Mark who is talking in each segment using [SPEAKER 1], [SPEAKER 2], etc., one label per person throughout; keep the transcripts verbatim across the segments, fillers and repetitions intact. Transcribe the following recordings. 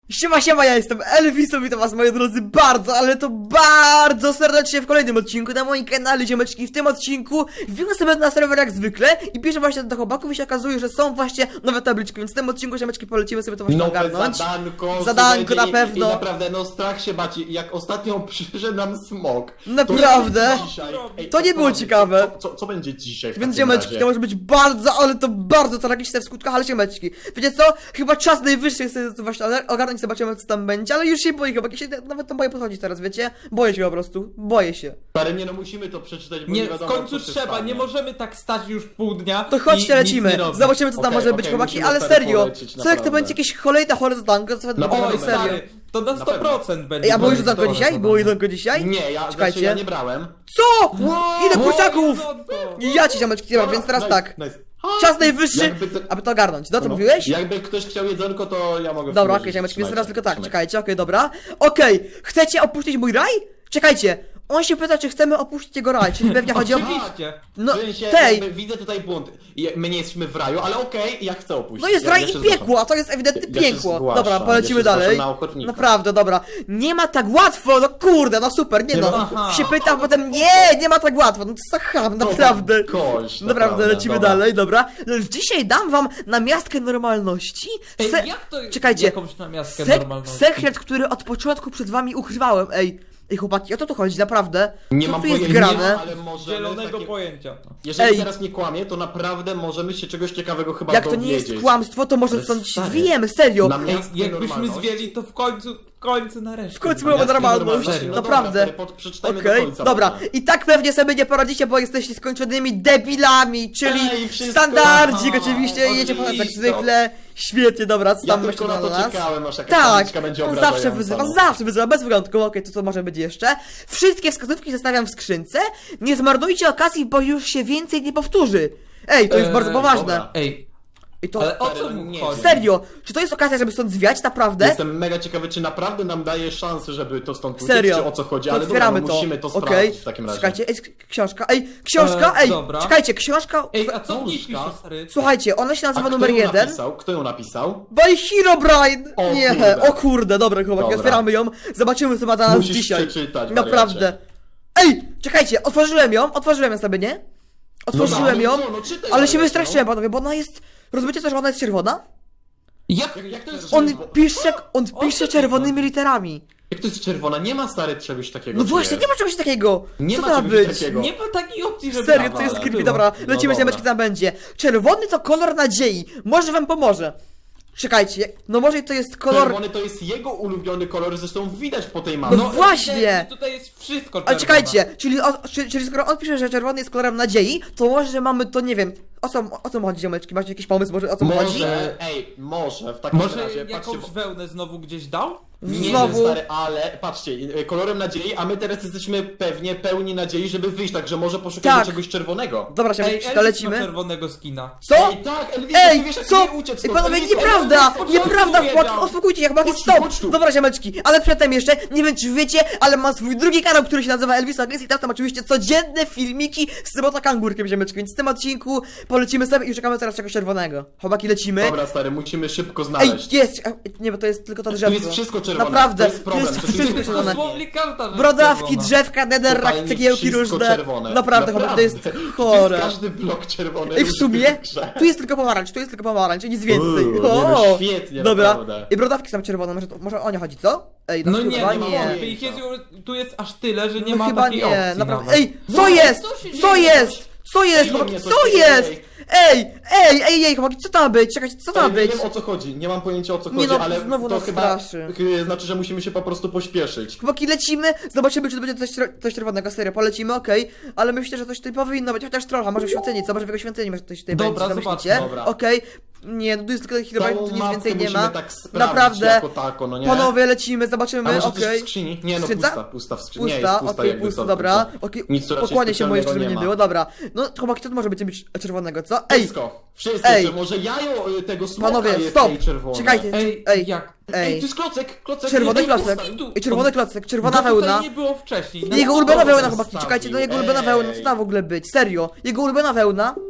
[SPEAKER 1] Siema, siema, ja jestem Elviso, witam was moi drodzy bardzo, ale to bardzo serdecznie w kolejnym odcinku na moim kanale, ziomeczki. W tym odcinku wbiegłem sobie na serwer jak zwykle i piszę właśnie do chłopaków i się okazuje, że są właśnie nowe tabliczki, więc w tym odcinku, ziomeczki, polecimy sobie to właśnie
[SPEAKER 2] Nowe
[SPEAKER 1] ogarnąć.
[SPEAKER 2] zadanko,
[SPEAKER 1] Zadanko na
[SPEAKER 2] i,
[SPEAKER 1] pewno.
[SPEAKER 2] I naprawdę, no strach się bać, jak ostatnio przyszedł nam smok.
[SPEAKER 1] Naprawdę?
[SPEAKER 2] To, dzisiaj, ej,
[SPEAKER 1] To nie było
[SPEAKER 2] panowie,
[SPEAKER 1] ciekawe.
[SPEAKER 2] Co, co, co będzie dzisiaj w
[SPEAKER 1] Więc
[SPEAKER 2] takim
[SPEAKER 1] ziomeczki,
[SPEAKER 2] razie?
[SPEAKER 1] to może być bardzo, ale to bardzo tragiczne w skutkach, ale ziomeczki. Wiecie co? Chyba czas najwyższy jest sobie to właśnie ogarnąć, zobaczymy co tam będzie, ale już się boję chyba, się nawet tam boję podchodzić teraz, wiecie? Boję się po prostu, boję się.
[SPEAKER 2] Stary, nie no, musimy to przeczytać, bo nie,
[SPEAKER 3] Nie, w
[SPEAKER 2] wiadomo,
[SPEAKER 3] końcu
[SPEAKER 2] co się
[SPEAKER 3] trzeba,
[SPEAKER 2] stanie.
[SPEAKER 3] nie możemy tak stać już pół dnia.
[SPEAKER 1] To chodźcie,
[SPEAKER 3] i
[SPEAKER 1] lecimy,
[SPEAKER 3] nic nie robić.
[SPEAKER 1] zobaczymy co tam
[SPEAKER 2] Okej,
[SPEAKER 1] może być
[SPEAKER 2] okej,
[SPEAKER 1] chłopaki,
[SPEAKER 2] musimy,
[SPEAKER 1] ale
[SPEAKER 2] stary,
[SPEAKER 1] serio,
[SPEAKER 2] polecieć,
[SPEAKER 1] co jak to
[SPEAKER 2] naprawdę.
[SPEAKER 1] będzie jakieś kolejna horyzontanka, to
[SPEAKER 2] Na pewno
[SPEAKER 3] Oj,
[SPEAKER 2] będzie.
[SPEAKER 1] serio.
[SPEAKER 3] stary, to na
[SPEAKER 2] Na
[SPEAKER 3] sto procent będzie.
[SPEAKER 1] Ej, a było
[SPEAKER 3] to
[SPEAKER 1] już jedzonko
[SPEAKER 3] jest
[SPEAKER 1] dzisiaj?
[SPEAKER 3] to
[SPEAKER 1] Było
[SPEAKER 3] zadanie.
[SPEAKER 1] jedzonko dzisiaj?
[SPEAKER 2] Nie, ja,
[SPEAKER 1] Czekajcie.
[SPEAKER 2] znaczy, ja nie brałem.
[SPEAKER 1] Co? Ile
[SPEAKER 3] Wow,
[SPEAKER 1] kurczaków?
[SPEAKER 3] jedzonko.
[SPEAKER 1] Ja ci ziomeczki, dobra, więc teraz
[SPEAKER 2] Nice,
[SPEAKER 1] tak.
[SPEAKER 2] nice.
[SPEAKER 1] Czas najwyższy,
[SPEAKER 2] Jakby to-
[SPEAKER 1] aby to ogarnąć. No co
[SPEAKER 2] No.
[SPEAKER 1] mówiłeś?
[SPEAKER 2] Jakby ktoś chciał jedzonko, to ja mogę...
[SPEAKER 1] Dobra,
[SPEAKER 2] włożyć.
[SPEAKER 1] okej, ziomeczki, więc
[SPEAKER 2] Trzymajcie,
[SPEAKER 1] teraz tylko tak,
[SPEAKER 2] trzymajcie.
[SPEAKER 1] czekajcie, okej, dobra. Okej, chcecie opuścić mój raj? Czekajcie, on się pyta, czy chcemy opuścić jego raj, czyli pewnie chodzi o...
[SPEAKER 3] Oczywiście.
[SPEAKER 1] No,
[SPEAKER 2] W sensie,
[SPEAKER 1] tej!
[SPEAKER 2] jakby widzę tutaj bunt. I my nie jesteśmy w raju, ale okej, ja chcę opuścić.
[SPEAKER 1] No jest
[SPEAKER 2] ja,
[SPEAKER 1] raj
[SPEAKER 2] ja się
[SPEAKER 1] i
[SPEAKER 2] zgłaszam.
[SPEAKER 1] piekło, a to jest ewidentnie
[SPEAKER 2] Ja się
[SPEAKER 1] piekło.
[SPEAKER 2] zgłaszam,
[SPEAKER 1] Dobra, polecimy
[SPEAKER 2] ja się
[SPEAKER 1] dalej.
[SPEAKER 2] zgłaszam na ochotnika.
[SPEAKER 1] Naprawdę, dobra. Nie ma tak łatwo, no kurde, no super, nie
[SPEAKER 2] Nie
[SPEAKER 1] no.
[SPEAKER 2] ma-
[SPEAKER 3] aha.
[SPEAKER 1] Się pyta, a potem nie, nie ma tak łatwo, no to jest ham, naprawdę.
[SPEAKER 2] Kość,
[SPEAKER 1] Naprawdę, lecimy
[SPEAKER 2] dobra.
[SPEAKER 1] dalej, dobra. Dzisiaj dam wam namiastkę normalności.
[SPEAKER 3] Ej,
[SPEAKER 1] Se-
[SPEAKER 3] jak to
[SPEAKER 1] Czekajcie,
[SPEAKER 3] jakąś namiastkę
[SPEAKER 1] Sek
[SPEAKER 3] normalną?
[SPEAKER 1] sekret, który od początku przed wami ukrywałem, ej. Ej chłopaki, o to tu chodzi, naprawdę.
[SPEAKER 2] Nie
[SPEAKER 1] Co
[SPEAKER 2] mam
[SPEAKER 1] tu jest
[SPEAKER 2] pojęcia,
[SPEAKER 1] grane?
[SPEAKER 2] ale możemy
[SPEAKER 3] Zielonego
[SPEAKER 2] takie...
[SPEAKER 3] pojęcia.
[SPEAKER 2] Jeżeli
[SPEAKER 1] Ej.
[SPEAKER 2] teraz nie kłamie, to naprawdę możemy się czegoś ciekawego chyba
[SPEAKER 1] Jak to
[SPEAKER 2] dowiedzieć.
[SPEAKER 1] nie jest kłamstwo, to może
[SPEAKER 2] Ale
[SPEAKER 1] stąd
[SPEAKER 2] stary,
[SPEAKER 1] zwijemy, serio.
[SPEAKER 2] na
[SPEAKER 3] Ej,
[SPEAKER 2] miastkę
[SPEAKER 3] jakbyśmy
[SPEAKER 2] normalności-
[SPEAKER 3] zwieli, to w końcu, w końcu nareszcie.
[SPEAKER 1] W końcu
[SPEAKER 2] Na
[SPEAKER 1] mamy
[SPEAKER 2] miastkę
[SPEAKER 1] normalność,
[SPEAKER 2] normalności, no
[SPEAKER 1] naprawdę.
[SPEAKER 2] Dobra, stary, pod- przeczytajmy
[SPEAKER 1] Okej,
[SPEAKER 2] do końca
[SPEAKER 1] dobra.
[SPEAKER 2] może.
[SPEAKER 1] I tak pewnie sobie nie poradzicie, bo jesteście skończonymi debilami, czyli
[SPEAKER 2] Ej, wszystko-
[SPEAKER 1] standardzik
[SPEAKER 3] Aha,
[SPEAKER 1] oczywiście, jedziecie po nas jak
[SPEAKER 3] oczywiście.
[SPEAKER 1] zwykle. Świetnie, dobra, co
[SPEAKER 2] Ja
[SPEAKER 1] tam
[SPEAKER 2] tylko
[SPEAKER 1] myślicie
[SPEAKER 2] na
[SPEAKER 1] na
[SPEAKER 2] to
[SPEAKER 1] nas?
[SPEAKER 2] czekałem, aż jakaś
[SPEAKER 1] Tak,
[SPEAKER 2] tabliczka będzie
[SPEAKER 1] on
[SPEAKER 2] obrażająca,
[SPEAKER 1] zawsze wyzywa,
[SPEAKER 2] no.
[SPEAKER 1] zawsze wyzywa, bez wyjątku. Okej, to co może być jeszcze? Wszystkie wskazówki zostawiam w skrzynce. Nie zmarnujcie okazji, bo już się więcej nie powtórzy. Ej, to jest
[SPEAKER 3] Ej,
[SPEAKER 1] bardzo poważne.
[SPEAKER 2] dobra.
[SPEAKER 3] Ej,
[SPEAKER 1] I to...
[SPEAKER 3] ale o co
[SPEAKER 2] Stary,
[SPEAKER 3] mu
[SPEAKER 2] nie
[SPEAKER 3] chodzi?
[SPEAKER 1] Serio, czy to jest okazja, żeby stąd zwiać, naprawdę?
[SPEAKER 2] Jestem mega ciekawy, czy naprawdę nam daje szansę, żeby to stąd uciec,
[SPEAKER 1] Serio,
[SPEAKER 2] czy o co chodzi,
[SPEAKER 1] to
[SPEAKER 2] ale dobra,
[SPEAKER 1] otwieramy
[SPEAKER 2] no
[SPEAKER 1] to.
[SPEAKER 2] musimy to
[SPEAKER 1] Okej,
[SPEAKER 2] sprawdzić w takim razie.
[SPEAKER 1] Czekajcie, ej, sk- książka, ej, książka,
[SPEAKER 3] E,
[SPEAKER 1] ej,
[SPEAKER 3] dobra.
[SPEAKER 1] czekajcie, książka,
[SPEAKER 3] Ej, a co w niej
[SPEAKER 2] Książka?
[SPEAKER 3] pisze, stary?
[SPEAKER 1] słuchajcie, ona się
[SPEAKER 2] A
[SPEAKER 1] nazywa
[SPEAKER 2] kto
[SPEAKER 1] numer
[SPEAKER 2] ją
[SPEAKER 1] jeden.
[SPEAKER 2] napisał? Kto ją napisał?
[SPEAKER 1] By Herobrine!
[SPEAKER 2] O
[SPEAKER 1] Nie,
[SPEAKER 2] kurde.
[SPEAKER 1] o kurde, dobra chłopaki,
[SPEAKER 2] Dobra.
[SPEAKER 1] otwieramy ją, zobaczymy co ma dla nas
[SPEAKER 2] Musisz
[SPEAKER 1] dzisiaj.
[SPEAKER 2] przeczytać,
[SPEAKER 1] Naprawdę. Ej, czekajcie, otworzyłem ją, otworzyłem ją sobie, nie? Otworzyłem
[SPEAKER 2] no,
[SPEAKER 1] ją,
[SPEAKER 2] co, no czytaj
[SPEAKER 1] ale
[SPEAKER 2] dalej,
[SPEAKER 1] się
[SPEAKER 2] no.
[SPEAKER 1] wystraszyłem, panowie, bo ona jest, rozumiecie co, że ona jest czerwona?
[SPEAKER 3] Jak,
[SPEAKER 2] Jak, jak to jest
[SPEAKER 1] On
[SPEAKER 2] czerwona?
[SPEAKER 1] pisze, on
[SPEAKER 3] O
[SPEAKER 1] pisze
[SPEAKER 3] co
[SPEAKER 1] czerwonymi
[SPEAKER 3] chodzi?
[SPEAKER 1] literami.
[SPEAKER 2] Jak to jest czerwona? Nie ma stary czegoś takiego.
[SPEAKER 1] No
[SPEAKER 2] czy
[SPEAKER 1] właśnie,
[SPEAKER 2] jest?
[SPEAKER 1] nie ma czegoś takiego.
[SPEAKER 2] Nie
[SPEAKER 1] Co
[SPEAKER 2] ma
[SPEAKER 1] to ma
[SPEAKER 2] czegoś
[SPEAKER 1] być?
[SPEAKER 2] takiego.
[SPEAKER 3] Nie ma takiej opcji, żeby...
[SPEAKER 1] Serio,
[SPEAKER 3] Dobra,
[SPEAKER 1] to jest
[SPEAKER 3] ale
[SPEAKER 1] creepy,
[SPEAKER 3] było.
[SPEAKER 1] dobra,
[SPEAKER 2] No
[SPEAKER 1] lecimy,
[SPEAKER 2] dobra.
[SPEAKER 1] ziomeczki, tam będzie. Czerwony to kolor nadziei, może wam pomoże. Czekajcie, no może to jest kolor...
[SPEAKER 2] Czerwony to jest jego ulubiony kolor, zresztą widać po tej mapie.
[SPEAKER 1] No właśnie!
[SPEAKER 3] ewidentnie Tutaj jest wszystko
[SPEAKER 1] Ale
[SPEAKER 3] czerwone.
[SPEAKER 1] czekajcie, czyli, o, czyli, czyli skoro on pisze, że czerwony jest kolorem nadziei, to może, że mamy to, nie wiem, o co, o co chodzi, ziomeczki? Macie jakiś pomysł, może o co chodzi?
[SPEAKER 2] Może, ej, może w takim
[SPEAKER 3] Może
[SPEAKER 2] razie,
[SPEAKER 3] jakąś
[SPEAKER 2] patrzcie, bo...
[SPEAKER 3] wełnę znowu gdzieś dał?
[SPEAKER 2] Nie
[SPEAKER 1] Znowu.
[SPEAKER 2] wiem, stary, ale patrzcie, y, kolorem nadziei, a my teraz jesteśmy pewnie pełni nadziei, żeby wyjść, także może poszukamy
[SPEAKER 1] Tak.
[SPEAKER 2] czegoś czerwonego.
[SPEAKER 1] Dobra,
[SPEAKER 3] Ej,
[SPEAKER 1] ziomeczki,
[SPEAKER 3] Elvis
[SPEAKER 1] to
[SPEAKER 3] ma
[SPEAKER 1] lecimy.
[SPEAKER 3] czerwonego skina.
[SPEAKER 1] Co?
[SPEAKER 2] Ej, tak, Elvis, ty
[SPEAKER 1] Ej,
[SPEAKER 2] wiesz, jak
[SPEAKER 1] co?
[SPEAKER 2] nie uciec
[SPEAKER 1] Ej,
[SPEAKER 2] stąd.
[SPEAKER 1] panowie,
[SPEAKER 2] Elvis,
[SPEAKER 1] nieprawda!
[SPEAKER 2] Elvis,
[SPEAKER 1] Nieprawda,
[SPEAKER 2] Elvis,
[SPEAKER 1] chłopaki,
[SPEAKER 2] Elvis,
[SPEAKER 1] uspokójcie się, chłopaki,
[SPEAKER 2] Chodź tu,
[SPEAKER 1] stop!
[SPEAKER 2] chodź tu.
[SPEAKER 1] Dobra, ziomeczki, ale przedtem jeszcze, nie wiem czy wiecie, ale mam swój drugi kanał, który się nazywa Elvis Agres i tam tam oczywiście codzienne filmiki z Cybota Kangurkiem, ziomeczki, więc w tym odcinku polecimy sobie i szukamy teraz czegoś czerwonego. Chłopaki, lecimy.
[SPEAKER 2] Dobra, stary, musimy szybko
[SPEAKER 1] Ej,
[SPEAKER 2] znaleźć.
[SPEAKER 1] jest! A, nie, bo to jest tylko to
[SPEAKER 2] Tu
[SPEAKER 1] drzewko.
[SPEAKER 2] jest wszystko czerwone.
[SPEAKER 1] Naprawdę,
[SPEAKER 2] to jest problem.
[SPEAKER 1] tu jest
[SPEAKER 2] to jest
[SPEAKER 1] wszystko
[SPEAKER 2] wszystko
[SPEAKER 1] czerwone.
[SPEAKER 3] Dosłownie każda rzecz
[SPEAKER 1] Brodawki,
[SPEAKER 3] czerwona.
[SPEAKER 1] drzewka, netherrack,
[SPEAKER 2] Totalnie
[SPEAKER 1] cegiełki
[SPEAKER 2] wszystko
[SPEAKER 1] różne.
[SPEAKER 2] czerwone.
[SPEAKER 1] Naprawdę, chłopaki, to jest
[SPEAKER 2] To
[SPEAKER 1] chore.
[SPEAKER 2] jest każdy blok czerwony.
[SPEAKER 1] Ej, w sumie,
[SPEAKER 2] w grze.
[SPEAKER 1] tu jest tylko pomarańcz, tu jest tylko pomarańcz, nic więcej.
[SPEAKER 2] Uuu, nie no, świetnie,
[SPEAKER 1] Dobra,
[SPEAKER 2] naprawdę.
[SPEAKER 1] i brodawki są czerwone, może, to, może o nie chodzi, co? Ej,
[SPEAKER 3] No nie,
[SPEAKER 1] chyba
[SPEAKER 3] nie,
[SPEAKER 2] ma
[SPEAKER 3] nie.
[SPEAKER 2] pojęcia.
[SPEAKER 3] Ich jest, tu jest aż tyle, że nie
[SPEAKER 1] No
[SPEAKER 3] ma
[SPEAKER 1] chyba
[SPEAKER 3] takiej
[SPEAKER 1] nie,
[SPEAKER 3] opcji
[SPEAKER 1] naprawdę.
[SPEAKER 3] nawet.
[SPEAKER 1] Ej, co
[SPEAKER 3] No,
[SPEAKER 1] jest?
[SPEAKER 3] co się
[SPEAKER 1] Co
[SPEAKER 3] dzieje?
[SPEAKER 1] jest? Co jest?
[SPEAKER 2] Ej,
[SPEAKER 1] Chłopaki,
[SPEAKER 2] mnie, co
[SPEAKER 1] co
[SPEAKER 2] się
[SPEAKER 1] jest?
[SPEAKER 2] dzieje?
[SPEAKER 1] Ej, ej, ej, ej, chłopaki, co to ma być? Czekajcie, co to ma
[SPEAKER 2] Ej, nie
[SPEAKER 1] być?
[SPEAKER 2] wiem o co chodzi, nie mam pojęcia o co
[SPEAKER 1] Nie
[SPEAKER 2] chodzi,
[SPEAKER 1] no,
[SPEAKER 2] ale
[SPEAKER 1] znowu
[SPEAKER 2] to
[SPEAKER 1] nas
[SPEAKER 2] chyba
[SPEAKER 1] straszy.
[SPEAKER 2] ch- znaczy, że musimy się po prostu pośpieszyć.
[SPEAKER 1] Chłopaki, lecimy, zobaczymy, czy to będzie coś, czerw- coś czerwonego, serio, polecimy, okej, ale myślę, że coś tutaj powinno być, chociaż trochę, może w świątyni, co? Może w jego świątyni może coś tutaj
[SPEAKER 3] Dobra,
[SPEAKER 1] będzie, co
[SPEAKER 3] zobaczmy.
[SPEAKER 1] myślicie?
[SPEAKER 2] Dobra.
[SPEAKER 1] Okej, nie, no tu jest tylko Herobrine,
[SPEAKER 2] Całą
[SPEAKER 1] tu nic
[SPEAKER 2] mapkę
[SPEAKER 1] więcej nie
[SPEAKER 2] musimy
[SPEAKER 1] ma.
[SPEAKER 2] tak sprawdzić
[SPEAKER 1] Naprawdę,
[SPEAKER 2] jako tako, no nie?
[SPEAKER 1] panowie, lecimy,
[SPEAKER 2] A
[SPEAKER 1] zobaczymy,
[SPEAKER 2] może coś
[SPEAKER 1] okej.
[SPEAKER 2] w skrzyni? Nie no,
[SPEAKER 1] Skrzynka?
[SPEAKER 2] pusta, pusta w skrzyni. Nie,
[SPEAKER 1] Pusta,
[SPEAKER 2] jest pusta
[SPEAKER 1] okej,
[SPEAKER 2] jakby
[SPEAKER 1] pusta,
[SPEAKER 2] co,
[SPEAKER 1] dobra.
[SPEAKER 2] tylko.
[SPEAKER 1] Okej,
[SPEAKER 2] Nic tu raczej
[SPEAKER 1] pokłonię się moje,
[SPEAKER 2] specjalnego
[SPEAKER 1] żeby nie
[SPEAKER 2] nie
[SPEAKER 1] było,
[SPEAKER 2] ma.
[SPEAKER 1] dobra. No, chłopaki, co tu może być być czerwonego, co? Ej,
[SPEAKER 2] Wszystko, wszystko,
[SPEAKER 1] Ej.
[SPEAKER 2] czy może jajo y, tego smoka
[SPEAKER 1] panowie,
[SPEAKER 2] jest
[SPEAKER 1] stop!
[SPEAKER 2] tej czerwone.
[SPEAKER 1] Czekajcie,
[SPEAKER 3] Ej,
[SPEAKER 1] ej,
[SPEAKER 3] jak?
[SPEAKER 2] Ej,
[SPEAKER 1] ej.
[SPEAKER 2] tu jest klocek, klocek.
[SPEAKER 1] Czerwony
[SPEAKER 2] ej,
[SPEAKER 1] klocek,
[SPEAKER 2] pusta.
[SPEAKER 3] tu-
[SPEAKER 1] i czerwony klocek, czerwona
[SPEAKER 3] Go tutaj
[SPEAKER 1] wełna.
[SPEAKER 3] nie było wcześniej.
[SPEAKER 1] Jego
[SPEAKER 3] No,
[SPEAKER 1] ulubiona
[SPEAKER 2] to
[SPEAKER 1] wełna,
[SPEAKER 2] zostawił.
[SPEAKER 1] chłopaki, czekajcie, no jego ulubiona wełna, co to ma w ogóle być? Serio, jego ulubiona wełna?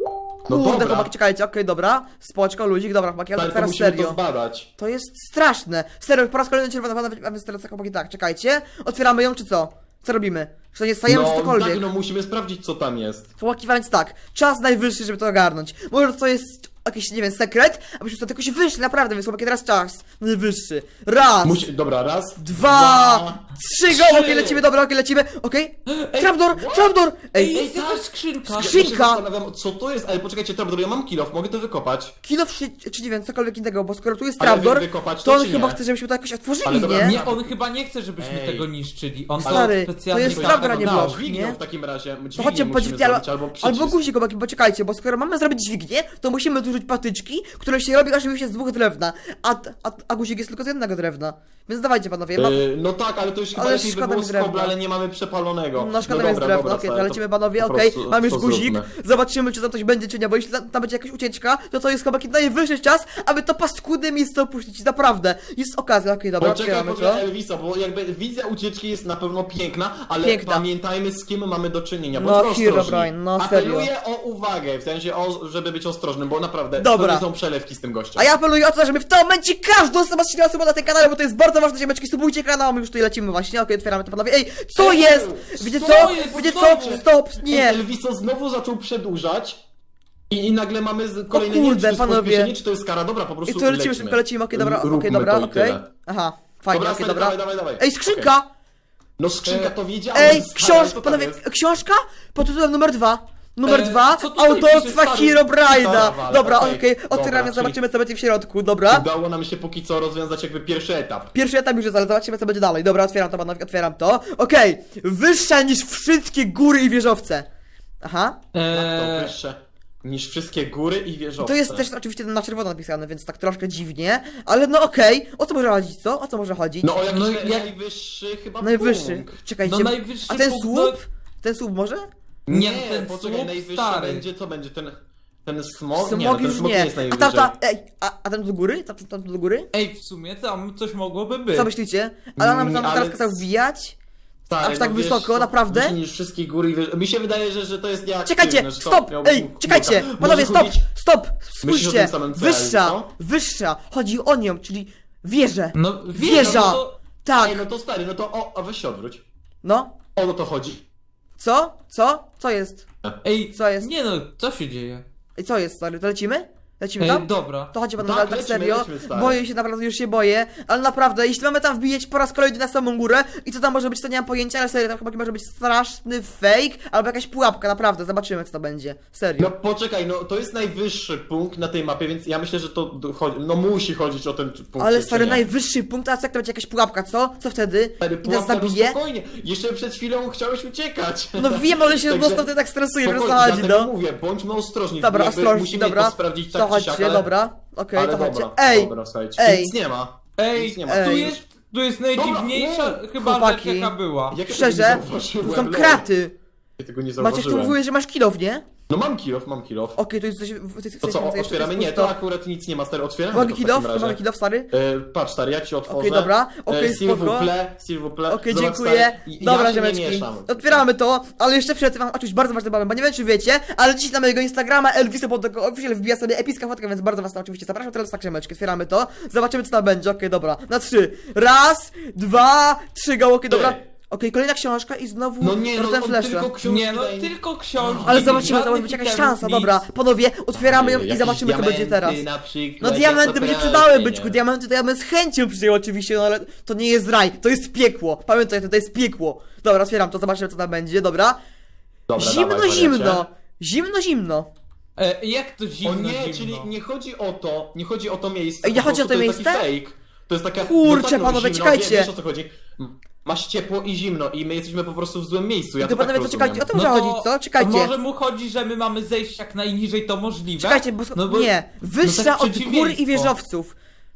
[SPEAKER 2] No
[SPEAKER 1] Kurde,
[SPEAKER 2] dobra.
[SPEAKER 1] chłopaki, czekajcie, okej, dobra. Spoczko, ludzik, dobra, chłopaki, ale
[SPEAKER 2] Ale to
[SPEAKER 1] teraz
[SPEAKER 2] musimy
[SPEAKER 1] serio.
[SPEAKER 2] to zbadać.
[SPEAKER 1] To jest straszne. Serio, po raz kolejny czerwona wana, a więc teraz chłopaki, tak, czekajcie. Otwieramy ją, czy co? Co robimy? Czy to nie stajemy, czy
[SPEAKER 2] No
[SPEAKER 1] cokolwiek?
[SPEAKER 2] tak, no musimy sprawdzić co tam jest.
[SPEAKER 1] Chłopaki, więc tak, czas najwyższy, żeby to ogarnąć. Może to jest jakiś, nie wiem, sekret, abyśmy to jakoś wyszli, naprawdę, więc chłopaki, teraz czas najwyższy. Raz,
[SPEAKER 2] Musi... Dobra, raz,
[SPEAKER 1] dwa, trzy, go,
[SPEAKER 2] trzy.
[SPEAKER 1] okej, lecimy, dobra, okej, lecimy, okej.
[SPEAKER 3] Ej,
[SPEAKER 1] Trapdoor, trapdoor!
[SPEAKER 3] Ej,
[SPEAKER 1] Ej,
[SPEAKER 3] jest jakaś skrzynka!
[SPEAKER 1] Skrzyn-
[SPEAKER 2] Ja się
[SPEAKER 1] Skrzynka.
[SPEAKER 2] zastanawiam, co to jest, ale poczekajcie, Trapdoor, ja mam kilof, mogę to wykopać.
[SPEAKER 1] kilo czy, czy nie wiem, cokolwiek innego, bo skoro tu jest
[SPEAKER 2] Ale
[SPEAKER 1] trapdoor,
[SPEAKER 2] wy- wykopać
[SPEAKER 1] to
[SPEAKER 2] to,
[SPEAKER 1] on
[SPEAKER 2] czy
[SPEAKER 1] chyba
[SPEAKER 2] nie?
[SPEAKER 1] chce, żebyśmy to jakoś otworzyli,
[SPEAKER 2] Ale dobra,
[SPEAKER 1] nie?
[SPEAKER 3] Nie, on chyba nie chce, żebyśmy
[SPEAKER 2] Ej.
[SPEAKER 3] tego niszczyli. On
[SPEAKER 1] Stary,
[SPEAKER 3] to
[SPEAKER 1] to
[SPEAKER 3] specjalnie
[SPEAKER 1] jest
[SPEAKER 3] dla
[SPEAKER 1] prawda,
[SPEAKER 3] tego
[SPEAKER 1] nie
[SPEAKER 3] dał.
[SPEAKER 1] blok.
[SPEAKER 2] Dźwignią
[SPEAKER 1] nie?
[SPEAKER 2] w takim razie,
[SPEAKER 1] To
[SPEAKER 2] dźwignię
[SPEAKER 1] chodźcie po
[SPEAKER 2] musimy
[SPEAKER 1] dźwignię,
[SPEAKER 2] zrobić, albo przycisk.
[SPEAKER 1] albo guzik, chłopaki, bo czekajcie, bo skoro mamy zrobić dźwignię, to musimy zużyć patyczki, które się robi oczywiście z dwóch drewna, a, a, a guzik jest tylko z jednego drewna. Więc dawajcie, panowie, mam...
[SPEAKER 2] Yy, no tak, ale to już chyba
[SPEAKER 1] Ale
[SPEAKER 2] lepiej by
[SPEAKER 1] szkoda
[SPEAKER 2] było
[SPEAKER 1] mi
[SPEAKER 2] z
[SPEAKER 1] drewna.
[SPEAKER 2] kobla, ale nie mamy przepalonego.
[SPEAKER 1] No szkoda
[SPEAKER 2] no
[SPEAKER 1] jest
[SPEAKER 2] dobra,
[SPEAKER 1] drewno,
[SPEAKER 2] dobra,
[SPEAKER 1] okej,
[SPEAKER 2] stary,
[SPEAKER 1] to lecimy
[SPEAKER 2] to
[SPEAKER 1] panowie,
[SPEAKER 2] po
[SPEAKER 1] okej,
[SPEAKER 2] prostu
[SPEAKER 1] mam już
[SPEAKER 2] to
[SPEAKER 1] guzik,
[SPEAKER 2] zróbmy.
[SPEAKER 1] zobaczymy czy tam coś będzie czy nie, bo jeśli tam, tam będzie jakaś ucieczka, to to jest chyba najwyższy czas, aby to paskudne miejsce opuścić, naprawdę, jest okazja, okej, dobra,
[SPEAKER 2] Poczekaj,
[SPEAKER 1] otwieramy
[SPEAKER 2] poczekaj
[SPEAKER 1] to.
[SPEAKER 2] Elvisa, bo jakby wizja ucieczki jest na pewno piękna, ale
[SPEAKER 1] Piękna.
[SPEAKER 2] pamiętajmy z kim mamy do czynienia,
[SPEAKER 1] No,
[SPEAKER 2] bądźmy ostrożni.
[SPEAKER 1] Herobrine, no, serio.
[SPEAKER 2] Apeluję o uwagę, w sensie o, żeby być ostrożnym, bo naprawdę
[SPEAKER 1] Dobra.
[SPEAKER 2] to nie są przelewki z tym gościem.
[SPEAKER 1] A ja apeluję o to, żeby w tym momencie każdą z was osób na tym kanale, bo to jest bardzo ważne, ziemeczki, subujcie kanał, my już tutaj lecimy właśnie, okej, otwieramy to panowie, ej, co
[SPEAKER 2] Ej,
[SPEAKER 1] jest? Wiecie
[SPEAKER 3] co
[SPEAKER 1] co?
[SPEAKER 3] jest?
[SPEAKER 1] Wiecie co?
[SPEAKER 3] Znowu?
[SPEAKER 1] Stop,
[SPEAKER 2] Ej,
[SPEAKER 1] nie.
[SPEAKER 2] Elviso znowu zaczął przedłużać i, i nagle mamy z- kolejne,
[SPEAKER 1] kurde,
[SPEAKER 2] nie wiem, czy to jest
[SPEAKER 1] panowie.
[SPEAKER 2] pośpieszenie, czy to jest kara, dobra, po
[SPEAKER 1] I
[SPEAKER 2] prostu
[SPEAKER 1] tu lecimy,
[SPEAKER 2] lecimy.
[SPEAKER 1] szybko lecimy, okej, dobra,
[SPEAKER 2] Róbmy
[SPEAKER 1] okej, dobra,
[SPEAKER 2] to i
[SPEAKER 1] okej.
[SPEAKER 2] tyle.
[SPEAKER 1] Aha, fajnie,
[SPEAKER 2] Dobra,
[SPEAKER 1] okej,
[SPEAKER 2] stary,
[SPEAKER 1] dobra.
[SPEAKER 2] dawaj, dawaj, dawaj.
[SPEAKER 1] Ej,
[SPEAKER 2] Okej.
[SPEAKER 1] skrzynka!
[SPEAKER 2] No skrzynka to wiedziałem,
[SPEAKER 1] Ej,
[SPEAKER 2] stary,
[SPEAKER 1] książka,
[SPEAKER 2] co tam
[SPEAKER 1] panowie,
[SPEAKER 2] jest?
[SPEAKER 1] książka pod tytułem numer dwa. Numer
[SPEAKER 3] E,
[SPEAKER 1] dwa,
[SPEAKER 3] co tutaj
[SPEAKER 1] autorstwa
[SPEAKER 3] pisze, stary?
[SPEAKER 1] Herobrine'a.
[SPEAKER 2] Dobra,
[SPEAKER 1] Dobra,
[SPEAKER 2] okej,
[SPEAKER 1] okej,
[SPEAKER 2] dobra,
[SPEAKER 1] otwieramy,
[SPEAKER 2] czyli-
[SPEAKER 1] zobaczymy co będzie w środku, dobra.
[SPEAKER 2] Udało nam się póki co rozwiązać jakby pierwszy etap.
[SPEAKER 1] Pierwszy etap już jest, ale zobaczymy co będzie dalej. Dobra, otwieram to, panowie, otwieram to. Okej, wyższa niż wszystkie góry i wieżowce. Aha.
[SPEAKER 2] To
[SPEAKER 3] Eee,
[SPEAKER 2] wyższe niż wszystkie góry i wieżowce.
[SPEAKER 1] To jest też oczywiście na czerwono napisane, więc tak troszkę dziwnie, ale no okej. O co może chodzić, co? O co może chodzić?
[SPEAKER 2] No o jakiś
[SPEAKER 3] No
[SPEAKER 2] naj-
[SPEAKER 3] jak-
[SPEAKER 2] najwyższy chyba
[SPEAKER 1] Najwyższy.
[SPEAKER 2] punkt.
[SPEAKER 1] Czekajcie.
[SPEAKER 3] No najwyższy
[SPEAKER 1] A ten
[SPEAKER 3] punkt,
[SPEAKER 1] słup? Ten słup może?
[SPEAKER 3] Nie,
[SPEAKER 2] Nie,
[SPEAKER 3] ten
[SPEAKER 2] poczekaj,
[SPEAKER 3] słup
[SPEAKER 2] najwyższy
[SPEAKER 3] stary.
[SPEAKER 2] będzie, co będzie, ten, ten smog? nie, no,
[SPEAKER 1] Smog
[SPEAKER 2] ten
[SPEAKER 1] już
[SPEAKER 2] smog nie
[SPEAKER 1] nie.
[SPEAKER 2] jest
[SPEAKER 1] A
[SPEAKER 2] najwyżej.
[SPEAKER 1] tam, ta, ej, a, a tam do góry? Tam, tam do góry?
[SPEAKER 3] Ej, w sumie tam coś mogłoby być.
[SPEAKER 1] Co myślicie? Ale nam
[SPEAKER 2] Mm,
[SPEAKER 1] tam
[SPEAKER 2] ale
[SPEAKER 1] teraz
[SPEAKER 2] c-
[SPEAKER 1] kazał wbijać?
[SPEAKER 2] Stary,
[SPEAKER 1] aż tak
[SPEAKER 2] no wiesz
[SPEAKER 1] wysoko,
[SPEAKER 2] co,
[SPEAKER 1] naprawdę?
[SPEAKER 2] wyższy niż wszystkie góry i wież... Mi się wydaje, że, że to jest nieaktywne,
[SPEAKER 1] Czekajcie,
[SPEAKER 2] że to
[SPEAKER 1] stop!
[SPEAKER 2] miałby
[SPEAKER 1] Ej,
[SPEAKER 2] mógł-
[SPEAKER 1] czekajcie!
[SPEAKER 2] mógł-
[SPEAKER 1] Panowie,
[SPEAKER 2] może
[SPEAKER 1] stop!
[SPEAKER 2] chodzić-
[SPEAKER 1] Stop!
[SPEAKER 2] Myślisz o
[SPEAKER 1] Spójrzcie!
[SPEAKER 2] tym samym celu,
[SPEAKER 1] Wyższa!
[SPEAKER 2] co?
[SPEAKER 1] Wyższa! Chodzi o nią, czyli wieżę!
[SPEAKER 3] No
[SPEAKER 1] Wieża!
[SPEAKER 3] No, to...
[SPEAKER 1] Tak!
[SPEAKER 2] Ej, no to stary, no to o, a weź się odwróć.
[SPEAKER 1] No?
[SPEAKER 2] O no to chodzi.
[SPEAKER 1] Co? Co? Co jest?
[SPEAKER 3] Ej,
[SPEAKER 1] Co jest?
[SPEAKER 3] Nie no, co się dzieje?
[SPEAKER 1] Ej, co jest, stary? To lecimy? Lecimy
[SPEAKER 3] Ej,
[SPEAKER 1] tam?
[SPEAKER 3] dobra.
[SPEAKER 1] To chodzi panowie,
[SPEAKER 2] Tak,
[SPEAKER 1] ale tak
[SPEAKER 2] lecimy,
[SPEAKER 1] serio,
[SPEAKER 2] lecimy, stary.
[SPEAKER 1] boję się, naprawdę już się boję, ale naprawdę, jeśli mamy tam wbijać po raz kolejny na samą górę i co tam może być, to nie mam pojęcia, ale serio, tam chyba może być straszny fake, albo jakaś pułapka, naprawdę, zobaczymy co to będzie, serio.
[SPEAKER 2] No poczekaj, no to jest najwyższy punkt na tej mapie, więc ja myślę, że to do- chodzi, no musi chodzić o ten punkt.
[SPEAKER 1] Ale
[SPEAKER 2] czy
[SPEAKER 1] stary,
[SPEAKER 2] nie?
[SPEAKER 1] najwyższy punkt, a co jak to będzie jakaś pułapka, co? Co wtedy?
[SPEAKER 2] Stary,
[SPEAKER 1] I nas
[SPEAKER 2] pułapka, no
[SPEAKER 1] zabije?
[SPEAKER 2] spokojnie. Jeszcze przed chwilą chciałeś uciekać.
[SPEAKER 1] No wiem, ale się
[SPEAKER 2] Także
[SPEAKER 1] mocno ty tak stresuje, wiesz o co
[SPEAKER 2] spokojnie,
[SPEAKER 1] chodzi,
[SPEAKER 2] dlatego
[SPEAKER 1] no.
[SPEAKER 2] mówię, bądźmy ostrożni.
[SPEAKER 1] Dobra,
[SPEAKER 2] jakby
[SPEAKER 1] ostrożnie,
[SPEAKER 2] musimy
[SPEAKER 1] dobra.
[SPEAKER 2] to sprawdzić tak
[SPEAKER 1] To
[SPEAKER 2] czy siak,
[SPEAKER 1] chodźcie,
[SPEAKER 2] ale...
[SPEAKER 1] dobra, okej,
[SPEAKER 2] ale
[SPEAKER 1] to chodźcie.
[SPEAKER 2] dobra,
[SPEAKER 1] Ej!
[SPEAKER 2] dobra, słuchajcie,
[SPEAKER 1] ej.
[SPEAKER 2] nic nie ma.
[SPEAKER 3] Ej,
[SPEAKER 2] Nic nie ma.
[SPEAKER 3] tu
[SPEAKER 1] Ej.
[SPEAKER 3] jest, tu jest najdziwniejsza
[SPEAKER 2] Dobra,
[SPEAKER 3] chyba
[SPEAKER 1] chłopaki.
[SPEAKER 3] rzecz jaka była.
[SPEAKER 2] Jak ja tego
[SPEAKER 1] Szczerze,
[SPEAKER 2] nie zauważyłem,
[SPEAKER 1] to są
[SPEAKER 2] lol.
[SPEAKER 1] kraty.
[SPEAKER 2] Ja tego nie
[SPEAKER 1] Maciek,
[SPEAKER 2] zauważyłem.
[SPEAKER 1] tu mówiłeś, że masz kilof, nie?
[SPEAKER 2] No mam kilof, mam kilof.
[SPEAKER 1] Okej, to jest coś... to jest
[SPEAKER 2] To
[SPEAKER 1] coś
[SPEAKER 2] co,
[SPEAKER 1] więcej, jeszcze
[SPEAKER 2] otwieramy?
[SPEAKER 1] jest
[SPEAKER 2] Nie,
[SPEAKER 1] pusto.
[SPEAKER 2] to akurat nic nie ma, stary, otwieramy
[SPEAKER 1] Mamy
[SPEAKER 2] to w
[SPEAKER 1] kilof?
[SPEAKER 2] takim
[SPEAKER 1] To
[SPEAKER 2] razie.
[SPEAKER 1] mamy kilof, stary?
[SPEAKER 2] E, patrz, stary, ja ci otworzę.
[SPEAKER 1] Okej, dobra, okej,
[SPEAKER 2] E, s'il vous
[SPEAKER 1] spoko.
[SPEAKER 2] plaît, s'il vous plaît.
[SPEAKER 1] Okej,
[SPEAKER 2] Zobacz,
[SPEAKER 1] dziękuję.
[SPEAKER 2] stary, i-
[SPEAKER 1] Dobra,
[SPEAKER 2] ja się nie
[SPEAKER 1] ziomeczki.
[SPEAKER 2] mieszam.
[SPEAKER 1] Otwieramy to, ale jeszcze przed tym mam oczywiście bardzo ważny moment, bo nie wiem czy wiecie, ale dziś na mojego Instagrama Elviso pod tego official wbija sobie epicka fotka, więc bardzo was tam oczywiście zapraszam. Teraz tak, ziomeczki, otwieramy to. Zobaczymy co tam będzie. Okej, dobra. Na trzy. Raz, dwa, trzy gołoki, dobra.
[SPEAKER 2] Ty.
[SPEAKER 1] Okej, kolejna książka i znowu
[SPEAKER 2] No nie, no
[SPEAKER 1] Rotten
[SPEAKER 2] on
[SPEAKER 1] Flasha.
[SPEAKER 2] tylko książki
[SPEAKER 3] Nie no,
[SPEAKER 2] daje.
[SPEAKER 3] tylko książki.
[SPEAKER 1] Ale zobaczymy, to może
[SPEAKER 3] żadnych
[SPEAKER 1] być jakaś
[SPEAKER 3] itemów,
[SPEAKER 1] szansa,
[SPEAKER 3] nic.
[SPEAKER 1] dobra. Panowie, otwieramy ją i
[SPEAKER 2] Jakieś
[SPEAKER 1] zobaczymy co będzie teraz.
[SPEAKER 2] diamenty na przykład,
[SPEAKER 1] No diamenty
[SPEAKER 2] jak
[SPEAKER 1] by się
[SPEAKER 2] to
[SPEAKER 1] przydały,
[SPEAKER 2] prawnie.
[SPEAKER 1] byczku, diamenty to ja bym z chęcią przyjął oczywiście, no ale to nie jest raj, to jest piekło. Pamiętaj, to jest piekło. Dobra, otwieram to, zobaczymy co tam będzie, dobra.
[SPEAKER 2] Dobra,
[SPEAKER 1] Zimno,
[SPEAKER 2] dawaj,
[SPEAKER 1] zimno.
[SPEAKER 2] wariacie.
[SPEAKER 1] Zimno, zimno.
[SPEAKER 3] E, jak to
[SPEAKER 2] O
[SPEAKER 3] zimno,
[SPEAKER 2] nie,
[SPEAKER 3] zimno?
[SPEAKER 2] czyli nie chodzi o to, nie chodzi o to miejsce.
[SPEAKER 1] Ej, nie
[SPEAKER 2] po
[SPEAKER 1] chodzi o
[SPEAKER 2] prostu
[SPEAKER 1] to
[SPEAKER 2] jest
[SPEAKER 1] miejsce?
[SPEAKER 2] taki fake. To jest taka...
[SPEAKER 1] Kurczę,
[SPEAKER 2] no
[SPEAKER 1] panowie,
[SPEAKER 2] zimno,
[SPEAKER 1] czekajcie.
[SPEAKER 2] Wiesz o co chodzi? Masz ciepło i zimno i my jesteśmy po prostu w złym miejscu, ja
[SPEAKER 1] To
[SPEAKER 2] to tak
[SPEAKER 1] panowie, to
[SPEAKER 2] rozumiem.
[SPEAKER 1] czekajcie, o to może chodzić, co? Czekajcie.
[SPEAKER 3] Może mu chodzi, że my mamy zejść jak najniżej to możliwe?
[SPEAKER 1] Czekajcie, bo,
[SPEAKER 3] No bo-
[SPEAKER 1] nie, wyższa
[SPEAKER 3] tak
[SPEAKER 1] od góry i
[SPEAKER 3] przeciwieństwo.
[SPEAKER 1] wieżowców.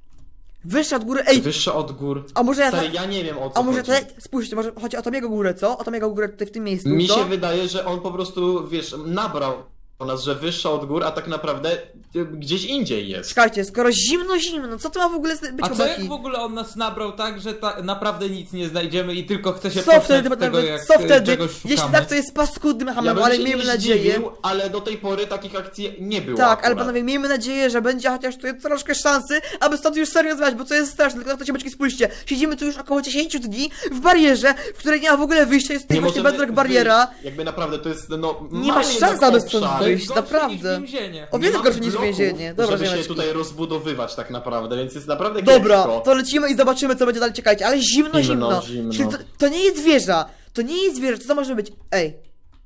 [SPEAKER 1] Wyższa od góry, ej,
[SPEAKER 2] Wyższa od gór.
[SPEAKER 1] a może ja,
[SPEAKER 2] Stary, ja nie wiem o co
[SPEAKER 1] a może
[SPEAKER 2] chodzi.
[SPEAKER 1] te, spójrzcie, może chodzi o tą jego górę, co? O tą jego górę tutaj w tym miejscu,
[SPEAKER 2] Mi
[SPEAKER 1] co?
[SPEAKER 2] się wydaje, że on po prostu, wiesz, nabrał u nas, że wyższa od gór, a tak naprawdę y, gdzieś indziej jest.
[SPEAKER 1] Czekajcie, skoro zimno, zimno, co to ma w ogóle być,
[SPEAKER 3] A co
[SPEAKER 1] chłopaki?
[SPEAKER 3] jak w ogóle on nas nabrał tak, że ta, naprawdę nic nie znajdziemy i tylko chce się
[SPEAKER 1] Co
[SPEAKER 3] popchnąć
[SPEAKER 1] wtedy,
[SPEAKER 3] w tego,
[SPEAKER 1] panowie,
[SPEAKER 3] jak
[SPEAKER 1] co wtedy?
[SPEAKER 3] czegoś
[SPEAKER 1] Jeśli
[SPEAKER 3] szukamy?
[SPEAKER 1] tak, to jest paskudnym
[SPEAKER 2] Ja
[SPEAKER 1] hamem,
[SPEAKER 2] bym
[SPEAKER 1] ale
[SPEAKER 2] się
[SPEAKER 1] miejmy
[SPEAKER 2] nie
[SPEAKER 1] nadzieję.
[SPEAKER 2] zdziwił, ale do tej pory takich akcji nie było.
[SPEAKER 1] Tak,
[SPEAKER 2] akurat.
[SPEAKER 1] ale panowie, miejmy nadzieję, że będzie chociaż tutaj troszkę szansy, aby stąd już serio zwać, bo to jest straszne, tylko na to ciemeczki spójrzcie. Siedzimy tu już około dziesięć dni w barierze, w której nie ma w ogóle wyjścia, jest tutaj
[SPEAKER 2] Nie
[SPEAKER 1] właśnie
[SPEAKER 2] możemy
[SPEAKER 1] bedrock bariera.
[SPEAKER 2] wyjść. Jakby naprawdę to jest, no...
[SPEAKER 1] Nie
[SPEAKER 2] mały
[SPEAKER 1] ma
[SPEAKER 2] jednak
[SPEAKER 1] szans, aby stąd
[SPEAKER 2] obszar.
[SPEAKER 3] To jest
[SPEAKER 1] wyjść,
[SPEAKER 3] gorsze
[SPEAKER 1] naprawdę.
[SPEAKER 3] niż więzienie.
[SPEAKER 1] O
[SPEAKER 2] Nie
[SPEAKER 1] wiele
[SPEAKER 2] mamy
[SPEAKER 1] gorsze niż
[SPEAKER 2] bloków,
[SPEAKER 1] więzienie. Dobra,
[SPEAKER 2] żeby się
[SPEAKER 1] ziomeczki.
[SPEAKER 2] tutaj rozbudowywać tak naprawdę, więc jest naprawdę
[SPEAKER 1] Dobra,
[SPEAKER 2] kiepsko.
[SPEAKER 1] to lecimy i zobaczymy, co będzie dalej. Czekajcie, ale zimno,
[SPEAKER 2] Zimno,
[SPEAKER 1] zimno.
[SPEAKER 2] zimno.
[SPEAKER 1] Czyli to, to nie jest wieża. To nie jest wieża, co to może być? Ej.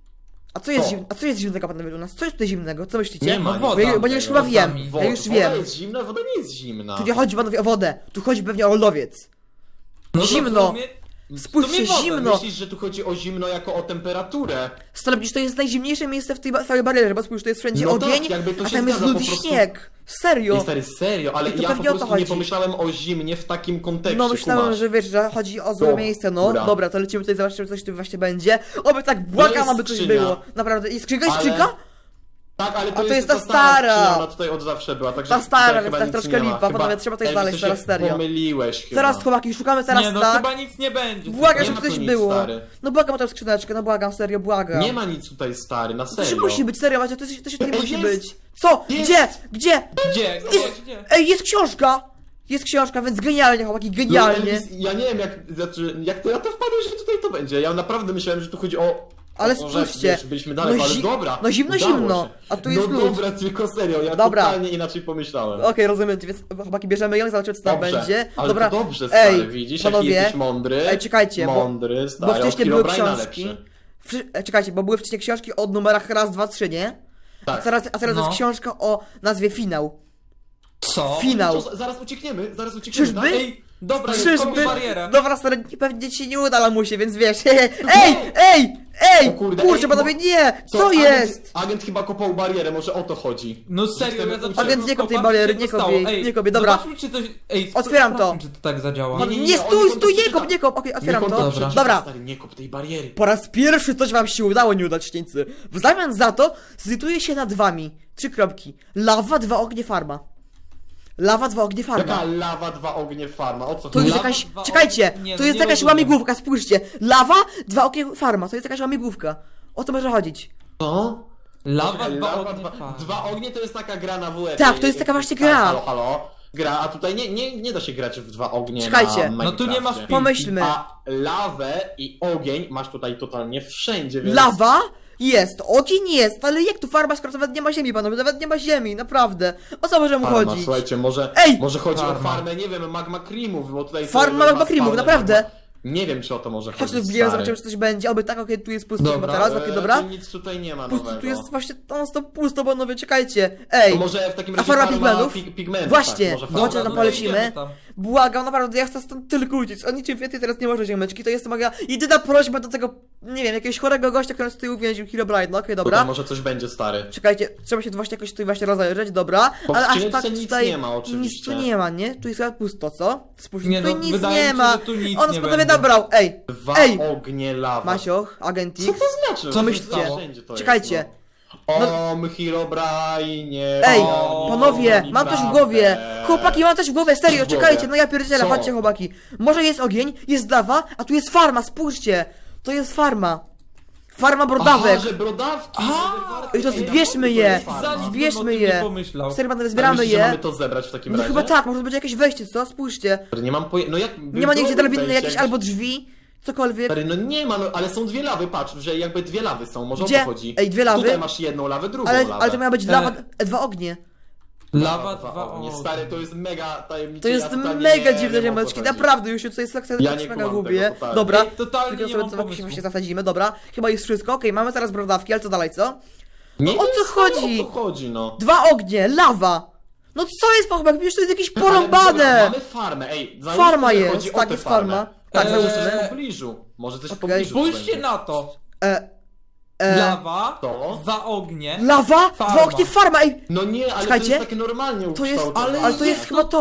[SPEAKER 1] A co jest,
[SPEAKER 2] Co?
[SPEAKER 1] zim, a co jest zimnego, panowie, u nas? Co jest tutaj zimnego? Co myślicie?
[SPEAKER 2] Nie ma
[SPEAKER 3] No
[SPEAKER 2] nic.
[SPEAKER 3] woda.
[SPEAKER 1] Bo ja, bo ja już chyba wiem.
[SPEAKER 3] Wo-
[SPEAKER 1] Ja już
[SPEAKER 2] Woda
[SPEAKER 1] wiem.
[SPEAKER 2] jest zimna, woda nie jest zimna.
[SPEAKER 1] Tu nie chodzi, panowie, o wodę. Tu chodzi pewnie o lodowiec.
[SPEAKER 3] No to w
[SPEAKER 1] Zimno.
[SPEAKER 3] sumie-
[SPEAKER 1] Spójrzcie,
[SPEAKER 3] To mi woda,
[SPEAKER 1] zimno.
[SPEAKER 2] Myślisz, że tu chodzi o zimno jako o temperaturę?
[SPEAKER 1] Stary, przecież to jest najzimniejsze miejsce w tej ba- całej barierze, bo spójrz, to jest wszędzie
[SPEAKER 2] No tak,
[SPEAKER 1] ogień,
[SPEAKER 2] jakby to
[SPEAKER 1] a
[SPEAKER 2] się
[SPEAKER 1] tam jest
[SPEAKER 2] zgadza,
[SPEAKER 1] lód
[SPEAKER 2] po
[SPEAKER 1] i
[SPEAKER 2] prostu-
[SPEAKER 1] śnieg. Serio.
[SPEAKER 2] Nie, stary, serio, ale
[SPEAKER 1] I to
[SPEAKER 2] ja po
[SPEAKER 1] pewnie o to
[SPEAKER 2] prostu nie
[SPEAKER 1] chodzi.
[SPEAKER 2] pomyślałem o zimnie w takim kontekście,
[SPEAKER 1] No myślałem,
[SPEAKER 2] kumasz.
[SPEAKER 1] że wiesz, że chodzi o złe
[SPEAKER 2] Dobra.
[SPEAKER 1] miejsce, no. Dobra, to lecimy tutaj, zobaczymy, co tu właśnie będzie. Oby tak
[SPEAKER 2] No
[SPEAKER 1] błagam,
[SPEAKER 2] jest
[SPEAKER 1] aby coś
[SPEAKER 2] skrzynia.
[SPEAKER 1] było. Naprawdę. I skrzynka, i
[SPEAKER 2] Ale-
[SPEAKER 1] skrzynka?
[SPEAKER 2] Tak, ale to,
[SPEAKER 1] A to
[SPEAKER 2] jest,
[SPEAKER 1] jest ta
[SPEAKER 2] ta stara
[SPEAKER 1] stara.
[SPEAKER 2] skrzynia, ona tutaj od zawsze była, także
[SPEAKER 1] Ta stara,
[SPEAKER 2] tutaj
[SPEAKER 1] więc
[SPEAKER 2] chyba
[SPEAKER 1] tak
[SPEAKER 2] nic
[SPEAKER 1] troszkę
[SPEAKER 2] nie ma.
[SPEAKER 1] lipa,
[SPEAKER 2] Chyba-
[SPEAKER 1] panowie, trzeba to
[SPEAKER 2] Ej,
[SPEAKER 1] znaleźć,
[SPEAKER 2] ty się
[SPEAKER 1] teraz serio.
[SPEAKER 2] pomyliłeś chyba.
[SPEAKER 1] Teraz chłopaki, szukamy teraz
[SPEAKER 3] Nie, no
[SPEAKER 1] tak.
[SPEAKER 3] chyba nic nie będzie.
[SPEAKER 1] Błagam,
[SPEAKER 2] Nie
[SPEAKER 1] żeby
[SPEAKER 2] ma tu
[SPEAKER 1] coś
[SPEAKER 2] nic,
[SPEAKER 1] było.
[SPEAKER 2] stary.
[SPEAKER 1] No błagam o tę skrzyneczkę, no błagam, serio, błagam.
[SPEAKER 2] Nie ma nic tutaj, stary, na
[SPEAKER 1] To
[SPEAKER 2] serio.
[SPEAKER 1] się musi być, serio, Macie, to się, to się tutaj
[SPEAKER 2] Ej,
[SPEAKER 1] musi
[SPEAKER 2] jest!
[SPEAKER 1] być. Co?
[SPEAKER 2] Jest!
[SPEAKER 1] Gdzie? Gdzie?
[SPEAKER 3] Gdzie? Gdzie? Gdzie?
[SPEAKER 1] Ej, jest książka! Jest książka, więc genialnie, chłopaki,
[SPEAKER 2] No,
[SPEAKER 1] genialnie.
[SPEAKER 2] Elvis, ja nie wiem, jak, znaczy, jak to ja to wpadłem, że tutaj to będzie. Ja naprawdę myślałem, że tu chodzi o...
[SPEAKER 1] Ale
[SPEAKER 2] o, że,
[SPEAKER 1] spójrzcie.
[SPEAKER 2] wiesz, byliśmy daleko,
[SPEAKER 1] No
[SPEAKER 2] ale
[SPEAKER 1] zi-
[SPEAKER 2] dobra.
[SPEAKER 1] no zimno,
[SPEAKER 2] udało
[SPEAKER 1] zimno,
[SPEAKER 2] się.
[SPEAKER 1] a tu jest
[SPEAKER 2] No
[SPEAKER 1] lód.
[SPEAKER 2] dobra, tylko serio, ja
[SPEAKER 1] Dobra.
[SPEAKER 2] totalnie inaczej pomyślałem.
[SPEAKER 1] Okej, rozumiem, więc chłopaki bierzemy ją i zobaczymy, co tam
[SPEAKER 2] Dobrze,
[SPEAKER 1] będzie.
[SPEAKER 2] ale
[SPEAKER 1] Dobra,
[SPEAKER 2] to dobrze, stary,
[SPEAKER 1] ej,
[SPEAKER 2] widzisz,
[SPEAKER 1] panowie,
[SPEAKER 2] jaki jesteś mądry.
[SPEAKER 1] ej, czekajcie, bo-
[SPEAKER 2] Mądry, stary,
[SPEAKER 1] bo
[SPEAKER 2] od
[SPEAKER 1] wcześniej były
[SPEAKER 2] Herobrina
[SPEAKER 1] książki.
[SPEAKER 2] lepszy.
[SPEAKER 1] Wszy- e, czekajcie, bo były wcześniej książki o numerach raz, dwa, trzy, nie? A
[SPEAKER 2] Tak.
[SPEAKER 1] teraz, a teraz
[SPEAKER 3] No.
[SPEAKER 1] jest książka o nazwie Finał.
[SPEAKER 3] Co?
[SPEAKER 1] Finał.
[SPEAKER 2] Co, zaraz uciekniemy, zaraz uciekniemy,
[SPEAKER 1] Czyżby?
[SPEAKER 2] tak?
[SPEAKER 3] Ej, dobra, jest
[SPEAKER 1] Czyżby?
[SPEAKER 3] kopię barierę.
[SPEAKER 1] Dobra, stary, pewnie ci się nie uda, lamusie, więc wiesz. Ej, ej, ej!
[SPEAKER 2] O kurde,
[SPEAKER 1] Kurczę,
[SPEAKER 2] ej,
[SPEAKER 1] panowie,
[SPEAKER 2] bo-
[SPEAKER 1] nie!
[SPEAKER 2] To
[SPEAKER 1] Co
[SPEAKER 2] agent,
[SPEAKER 1] jest?
[SPEAKER 2] Agent chyba kopał barierę, może o to chodzi.
[SPEAKER 3] No serio, ja
[SPEAKER 2] Chcemy
[SPEAKER 3] zacząłem
[SPEAKER 2] uciec.
[SPEAKER 1] Agent, nie kop tej
[SPEAKER 3] kopać,
[SPEAKER 1] bariery,
[SPEAKER 3] się
[SPEAKER 1] nie kop
[SPEAKER 3] dostało.
[SPEAKER 1] jej,
[SPEAKER 3] Ej,
[SPEAKER 1] nie kop jej, dobra.
[SPEAKER 3] Zobaczmy, czy coś... Ej,
[SPEAKER 1] Otwieram to.
[SPEAKER 3] sprawdźmy, czy to tak zadziała.
[SPEAKER 2] Nie,
[SPEAKER 1] Nie,
[SPEAKER 2] nie,
[SPEAKER 1] nie,
[SPEAKER 2] nie,
[SPEAKER 1] stój,
[SPEAKER 2] oni
[SPEAKER 1] stój, nie
[SPEAKER 2] przeczyta-
[SPEAKER 1] kop, nie kop, okej, otwieram
[SPEAKER 2] Niech on
[SPEAKER 1] to.
[SPEAKER 2] to
[SPEAKER 3] Dobra.
[SPEAKER 2] przeczyta,
[SPEAKER 1] Dobra.
[SPEAKER 2] Stary, nie kop tej bariery.
[SPEAKER 1] Po raz pierwszy coś wam się udało, nieudacznicy. W zamian za to zlituję się nad wami. Trzy kropki. Lawa, dwa ognie, farma. Lawa, dwa ognie, farma.
[SPEAKER 2] Jaka lawa, dwa ognie, farma, o co
[SPEAKER 1] To jest
[SPEAKER 3] Lawa,
[SPEAKER 1] jakaś,
[SPEAKER 3] dwa
[SPEAKER 1] czekajcie,
[SPEAKER 3] ognie, nie,
[SPEAKER 1] to
[SPEAKER 3] no
[SPEAKER 1] jest
[SPEAKER 3] nie
[SPEAKER 1] jakaś
[SPEAKER 3] rozumiem.
[SPEAKER 1] łamigłówka, spójrzcie. Lawa, dwa ognie, farma, to jest jakaś łamigłówka. O co może chodzić?
[SPEAKER 2] Co?
[SPEAKER 3] Lawa,
[SPEAKER 2] Poczekaj,
[SPEAKER 3] dwa
[SPEAKER 2] lawa,
[SPEAKER 3] ognie,
[SPEAKER 2] dwa,
[SPEAKER 3] farma.
[SPEAKER 2] dwa ognie to jest taka gra na W F.
[SPEAKER 1] Tak, to jest taka właśnie gra.
[SPEAKER 2] Halo, halo. Gra, a tutaj nie, nie, nie da się grać w dwa ognie
[SPEAKER 1] Czekajcie.
[SPEAKER 2] na
[SPEAKER 3] No tu nie masz
[SPEAKER 2] Minecrafcie.
[SPEAKER 3] pi-
[SPEAKER 1] Pomyślmy.
[SPEAKER 2] A lawę i ogień masz tutaj totalnie wszędzie, więc...
[SPEAKER 1] Lawa jest, ogień jest, ale jak tu farma, skoro nawet nie ma ziemi, panowie, nawet nie ma ziemi, naprawdę. O co może mu
[SPEAKER 2] Farma,
[SPEAKER 1] chodzić?
[SPEAKER 2] słuchajcie, może,
[SPEAKER 1] Ej!
[SPEAKER 2] może chodzi
[SPEAKER 3] Farma.
[SPEAKER 2] o farmę, nie wiem, magma creamów, bo tutaj...
[SPEAKER 1] Farma
[SPEAKER 2] sobie
[SPEAKER 1] magma creamów,
[SPEAKER 2] spawner,
[SPEAKER 1] naprawdę.
[SPEAKER 2] magma- Nie wiem, czy o to może
[SPEAKER 1] Chodź
[SPEAKER 2] chodzić,
[SPEAKER 1] tu wbijemy,
[SPEAKER 2] stary.
[SPEAKER 1] zobaczymy, czy coś będzie, oby tak, okej, tu jest pusto
[SPEAKER 3] Dobra,
[SPEAKER 1] chyba teraz, okej,
[SPEAKER 2] Eee,
[SPEAKER 1] dobra.
[SPEAKER 2] tu nic tutaj nie ma
[SPEAKER 1] Pusto,
[SPEAKER 2] nowego.
[SPEAKER 1] tu jest właśnie, to to pusto, panowie, czekajcie. Ej,
[SPEAKER 2] To może w takim
[SPEAKER 1] A
[SPEAKER 2] razie
[SPEAKER 1] farma
[SPEAKER 2] farma
[SPEAKER 1] pigmentów?
[SPEAKER 2] pig- pigmentów,
[SPEAKER 1] Właśnie,
[SPEAKER 2] tak, może
[SPEAKER 1] chodźcie,
[SPEAKER 2] farma
[SPEAKER 1] tam
[SPEAKER 3] no
[SPEAKER 2] pigmentów.
[SPEAKER 1] polecimy.
[SPEAKER 3] idziemy tam.
[SPEAKER 1] błagam, naprawdę, ja chcę stąd tylko uciec, o niczym więcej teraz nie może, ziomeczki, to jest moja jedyna prośba do tego, nie wiem, jakiegoś chorego gościa, który nas tutaj uwięził, Herobrine, no okej, dobra.
[SPEAKER 2] Tutaj może coś będzie, stary.
[SPEAKER 1] Czekajcie, trzeba się tu właśnie jakoś tutaj właśnie rozejrzeć, dobra.
[SPEAKER 2] Bo w
[SPEAKER 1] Ale aż
[SPEAKER 2] skrzynce
[SPEAKER 1] tak
[SPEAKER 2] nic
[SPEAKER 1] tutaj
[SPEAKER 2] nie ma,
[SPEAKER 1] nic
[SPEAKER 2] oczywiście.
[SPEAKER 1] tu nie ma, nie? Tu jest chyba pusto, co? Spójrzcie,
[SPEAKER 3] Nie,
[SPEAKER 1] tu
[SPEAKER 3] no,
[SPEAKER 1] nic
[SPEAKER 3] wydaje
[SPEAKER 1] nie
[SPEAKER 3] mi się,
[SPEAKER 1] ma.
[SPEAKER 3] że tu nic
[SPEAKER 1] On
[SPEAKER 3] nie
[SPEAKER 1] spodowie
[SPEAKER 3] będzie.
[SPEAKER 1] dobrał. Ej,
[SPEAKER 2] Dwa
[SPEAKER 1] ej,
[SPEAKER 2] ognie lawa.
[SPEAKER 1] Masioch, Agent
[SPEAKER 2] Co
[SPEAKER 1] X.
[SPEAKER 2] to znaczy?
[SPEAKER 1] Co
[SPEAKER 2] Że
[SPEAKER 1] myślicie?
[SPEAKER 2] wszędzie to
[SPEAKER 1] Czekajcie.
[SPEAKER 2] Jest, no. Om Herobrine.
[SPEAKER 1] Ej,
[SPEAKER 2] oni
[SPEAKER 1] panowie,
[SPEAKER 2] oni
[SPEAKER 1] mam coś w
[SPEAKER 2] prawdę.
[SPEAKER 1] głowie. Chłopaki, mam coś w głowie, serio,
[SPEAKER 2] W głowie.
[SPEAKER 1] czekajcie, no ja pierdzielę,
[SPEAKER 2] Co?
[SPEAKER 1] patrzcie chłopaki. Może jest ogień, jest lawa, a tu jest farma, spójrzcie. To jest farma. Farma brodawek.
[SPEAKER 2] Aha, że brodawki.
[SPEAKER 3] Aha!
[SPEAKER 2] że
[SPEAKER 1] I to
[SPEAKER 2] Ej,
[SPEAKER 1] zbierzmy
[SPEAKER 2] to
[SPEAKER 1] je.
[SPEAKER 2] jest farma.
[SPEAKER 3] Za nic bym
[SPEAKER 1] Zbierzmy
[SPEAKER 3] o tym
[SPEAKER 1] je.
[SPEAKER 3] nie pomyślał.
[SPEAKER 1] Serio, panowie,
[SPEAKER 2] Ale
[SPEAKER 1] zbieramy
[SPEAKER 2] myślisz, że
[SPEAKER 1] je.
[SPEAKER 2] mamy to zebrać w takim
[SPEAKER 1] No
[SPEAKER 2] razie?
[SPEAKER 1] chyba tak, może będzie jakieś wejście, co? Spójrzcie.
[SPEAKER 2] Nie mam pojęcia. No jak...
[SPEAKER 1] Nie ma nigdzie
[SPEAKER 2] byłoby
[SPEAKER 1] drabiny
[SPEAKER 2] wejście
[SPEAKER 1] jakieś
[SPEAKER 2] jakieś-
[SPEAKER 1] albo drzwi, cokolwiek.
[SPEAKER 2] Stary, no nie ma, no, ale są dwie lawy, patrz, że jakby dwie lawy są, może
[SPEAKER 1] Gdzie?
[SPEAKER 2] o to chodzi.
[SPEAKER 1] Ej, dwie lawy?
[SPEAKER 2] Tutaj masz jedną lawę, drugą
[SPEAKER 1] Ale,
[SPEAKER 2] lawę.
[SPEAKER 1] ale to miała być
[SPEAKER 3] E.
[SPEAKER 1] lawa, e, dwa ognie.
[SPEAKER 3] Lawa,
[SPEAKER 2] Dwa
[SPEAKER 3] dwa
[SPEAKER 2] ognie.
[SPEAKER 3] ognie.
[SPEAKER 2] Stary, to jest mega tajemnicze.
[SPEAKER 1] To jest
[SPEAKER 2] ja totalnie
[SPEAKER 1] mega
[SPEAKER 2] nie
[SPEAKER 1] dziwne,
[SPEAKER 2] wiem, o co
[SPEAKER 1] ziomeczki,
[SPEAKER 2] chodzi.
[SPEAKER 1] naprawdę, już się tutaj sekcja
[SPEAKER 2] Ja
[SPEAKER 1] jest
[SPEAKER 2] nie
[SPEAKER 1] mega
[SPEAKER 2] kumam
[SPEAKER 1] gubię.
[SPEAKER 2] tego totalnie.
[SPEAKER 1] Dobra,
[SPEAKER 3] Ej, totalnie
[SPEAKER 1] tylko
[SPEAKER 3] nie
[SPEAKER 1] sobie
[SPEAKER 3] mam
[SPEAKER 1] to
[SPEAKER 3] pomysłu.
[SPEAKER 1] właśnie zasadzimy, dobra. Chyba jest wszystko, okej, mamy teraz brodawki, ale co dalej, co?
[SPEAKER 2] Nie
[SPEAKER 1] o
[SPEAKER 2] wiem,
[SPEAKER 1] co
[SPEAKER 2] stary,
[SPEAKER 1] chodzi?
[SPEAKER 2] O co chodzi, no.
[SPEAKER 1] Dwa ognie, lawa! No co jest, po chyba, przecież to jest jakieś
[SPEAKER 2] Ale dobra,
[SPEAKER 1] porąbane!
[SPEAKER 2] mamy farmę, ej, załóżmy,
[SPEAKER 1] Farma
[SPEAKER 2] że
[SPEAKER 1] jest,
[SPEAKER 2] chodzi o
[SPEAKER 1] tak,
[SPEAKER 2] tę
[SPEAKER 1] jest
[SPEAKER 2] farmę.
[SPEAKER 1] farma. Tak,
[SPEAKER 3] Eee,
[SPEAKER 2] Może coś
[SPEAKER 1] załóżmy.
[SPEAKER 2] w pobliżu. Może coś w
[SPEAKER 1] Okej.
[SPEAKER 2] pobliżu
[SPEAKER 3] Spójrzcie
[SPEAKER 2] będzie.
[SPEAKER 3] na to.
[SPEAKER 1] E, e,
[SPEAKER 3] Lawa,
[SPEAKER 2] To?
[SPEAKER 3] dwa ognie.
[SPEAKER 1] lawa,
[SPEAKER 3] Farma.
[SPEAKER 1] dwa ognie, farma, ej!
[SPEAKER 2] No nie, ale
[SPEAKER 1] Czekajcie.
[SPEAKER 2] to jest takie normalnie
[SPEAKER 1] To jest,
[SPEAKER 2] ukształtowane.
[SPEAKER 1] ale to jest chyba to.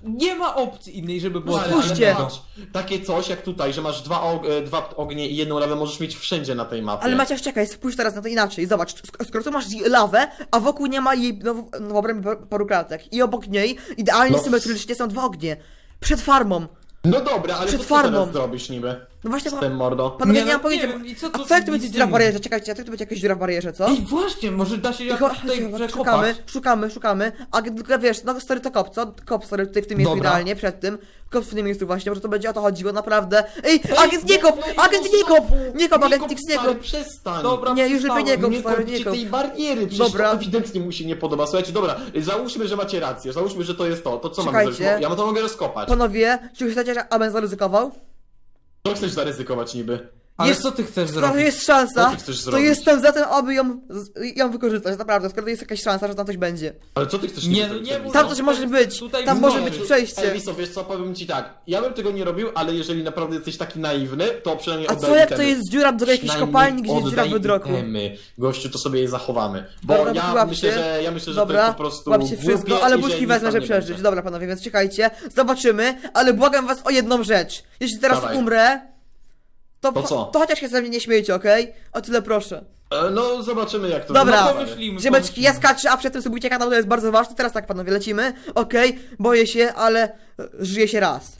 [SPEAKER 3] nie ma opcji innej, żeby było
[SPEAKER 2] Ale,
[SPEAKER 3] coś
[SPEAKER 2] ale
[SPEAKER 1] spójrzcie.
[SPEAKER 3] innego.
[SPEAKER 2] patrz, takie coś jak tutaj, że masz dwa, og e, dwa ognie i jedną lawę możesz mieć wszędzie na tej mapie.
[SPEAKER 1] Ale Maciek, czekaj, spójrz teraz na to inaczej. Zobacz, sk- skoro tu masz lawę, a wokół nie ma jej, no, w- no w obrębie par- paru kratek. I obok niej, idealnie
[SPEAKER 2] No.
[SPEAKER 1] symetrycznie są dwa ognie. Przed farmą.
[SPEAKER 2] No dobra, ale
[SPEAKER 1] Przed
[SPEAKER 2] co ty
[SPEAKER 1] farmą.
[SPEAKER 2] teraz zrobisz niby?
[SPEAKER 1] No właśnie,
[SPEAKER 2] Z tym mordo.
[SPEAKER 1] panowie, nie,
[SPEAKER 3] Nie, no,
[SPEAKER 1] mam pojęcia.
[SPEAKER 3] nie wiem, i co
[SPEAKER 1] A
[SPEAKER 3] tu
[SPEAKER 1] co jak to
[SPEAKER 3] nic
[SPEAKER 1] będzie
[SPEAKER 3] nie
[SPEAKER 1] dziura w
[SPEAKER 3] wiem.
[SPEAKER 1] barierze? Czekajcie, a co jak to będzie jakaś dziura w barierze, co?
[SPEAKER 3] Ej, właśnie, może da się
[SPEAKER 1] I
[SPEAKER 3] jakoś
[SPEAKER 1] cho-
[SPEAKER 3] tutaj
[SPEAKER 1] szukamy,
[SPEAKER 3] przekopać.
[SPEAKER 1] szukamy, szukamy, a tylko wiesz, no stary to kop, co? Kop stary tutaj w tym miejscu
[SPEAKER 3] Dobra.
[SPEAKER 1] idealnie, przed tym. Kop w tym miejscu właśnie, może to będzie o to chodziło, naprawdę. Ej,
[SPEAKER 2] Ej,
[SPEAKER 1] agent nie kop!
[SPEAKER 2] no i
[SPEAKER 1] Agent
[SPEAKER 2] no
[SPEAKER 1] nie kop!
[SPEAKER 2] znowu.
[SPEAKER 1] Nie kop, agent
[SPEAKER 2] kop,
[SPEAKER 1] X nie
[SPEAKER 2] stary,
[SPEAKER 1] kop!
[SPEAKER 2] przestań.
[SPEAKER 3] Dobra,
[SPEAKER 1] Nie, już lepiej nie kop,
[SPEAKER 2] Nie
[SPEAKER 1] stary, nie
[SPEAKER 2] kopcie
[SPEAKER 1] kop.
[SPEAKER 2] tej bariery, przecież
[SPEAKER 1] Dobra.
[SPEAKER 2] to ewidentnie mu się nie podoba. Słuchajcie, dobra, załóżmy, że macie rację, załóżmy, że to jest to. To co mamy
[SPEAKER 1] Czekajcie.
[SPEAKER 2] zrobić? Ja to mogę rozkopać.
[SPEAKER 1] Panowie, czy chcecie, że Amen zaryzykował?
[SPEAKER 2] Co chcesz zaryzykować niby?
[SPEAKER 3] Ale
[SPEAKER 1] Jest-
[SPEAKER 3] co ty chcesz
[SPEAKER 1] Skoro
[SPEAKER 3] zrobić?
[SPEAKER 1] jest szansa,
[SPEAKER 2] Co ty chcesz
[SPEAKER 1] to
[SPEAKER 2] zrobić?
[SPEAKER 1] jestem za tym, aby ją, z- ją wykorzystać, naprawdę, skoro jest jakaś szansa, że tam coś będzie.
[SPEAKER 2] Ale co ty chcesz
[SPEAKER 3] Nie,
[SPEAKER 2] niby
[SPEAKER 3] no
[SPEAKER 2] zrobić,
[SPEAKER 3] nie,
[SPEAKER 2] Elviso?
[SPEAKER 1] Tam coś może być,
[SPEAKER 3] Tutaj
[SPEAKER 1] tam
[SPEAKER 3] w
[SPEAKER 1] może
[SPEAKER 3] zgodzie.
[SPEAKER 1] być przejście.
[SPEAKER 2] Elviso, wiesz co, powiem ci tak, ja bym tego nie robił, ale jeżeli naprawdę jesteś taki naiwny, to przynajmniej
[SPEAKER 1] A
[SPEAKER 2] oddaj
[SPEAKER 1] co jak to
[SPEAKER 2] itemy.
[SPEAKER 1] jest dziura do jakiejś
[SPEAKER 2] Przynajmniej
[SPEAKER 1] kopalni, gdzie jest dziura w
[SPEAKER 2] oddaj
[SPEAKER 1] wydroku?
[SPEAKER 2] itemy. Gościu, to sobie je zachowamy. Bo
[SPEAKER 1] Dobra,
[SPEAKER 2] ja
[SPEAKER 1] łapcie.
[SPEAKER 2] myślę, że ja myślę, że
[SPEAKER 1] Dobra,
[SPEAKER 2] to jest po prostu
[SPEAKER 1] łapcie wszystko,
[SPEAKER 2] głupie
[SPEAKER 1] ale
[SPEAKER 2] i że
[SPEAKER 1] buźki
[SPEAKER 2] nic
[SPEAKER 1] wezmę,
[SPEAKER 2] tam
[SPEAKER 1] żeby
[SPEAKER 2] nie
[SPEAKER 1] przeżyć.
[SPEAKER 2] będzie.
[SPEAKER 1] Dobra, panowie, więc czekajcie, zobaczymy, ale błagam was o jedną rzecz. Jeśli teraz
[SPEAKER 2] Dawaj.
[SPEAKER 1] umrę, to,
[SPEAKER 2] To co?
[SPEAKER 1] to chociaż się ze mnie nie śmiejcie, okej? O tyle proszę.
[SPEAKER 2] E, No zobaczymy jak to
[SPEAKER 1] Dobra.
[SPEAKER 2] wygląda.
[SPEAKER 3] Pomyślimy,
[SPEAKER 1] Ziemeczki, ja
[SPEAKER 3] pomyślimy.
[SPEAKER 1] skaczę, a przedtem subujcie kanał, to jest bardzo ważne. Teraz tak, panowie, lecimy. Okej, boję się, ale e, żyje się raz.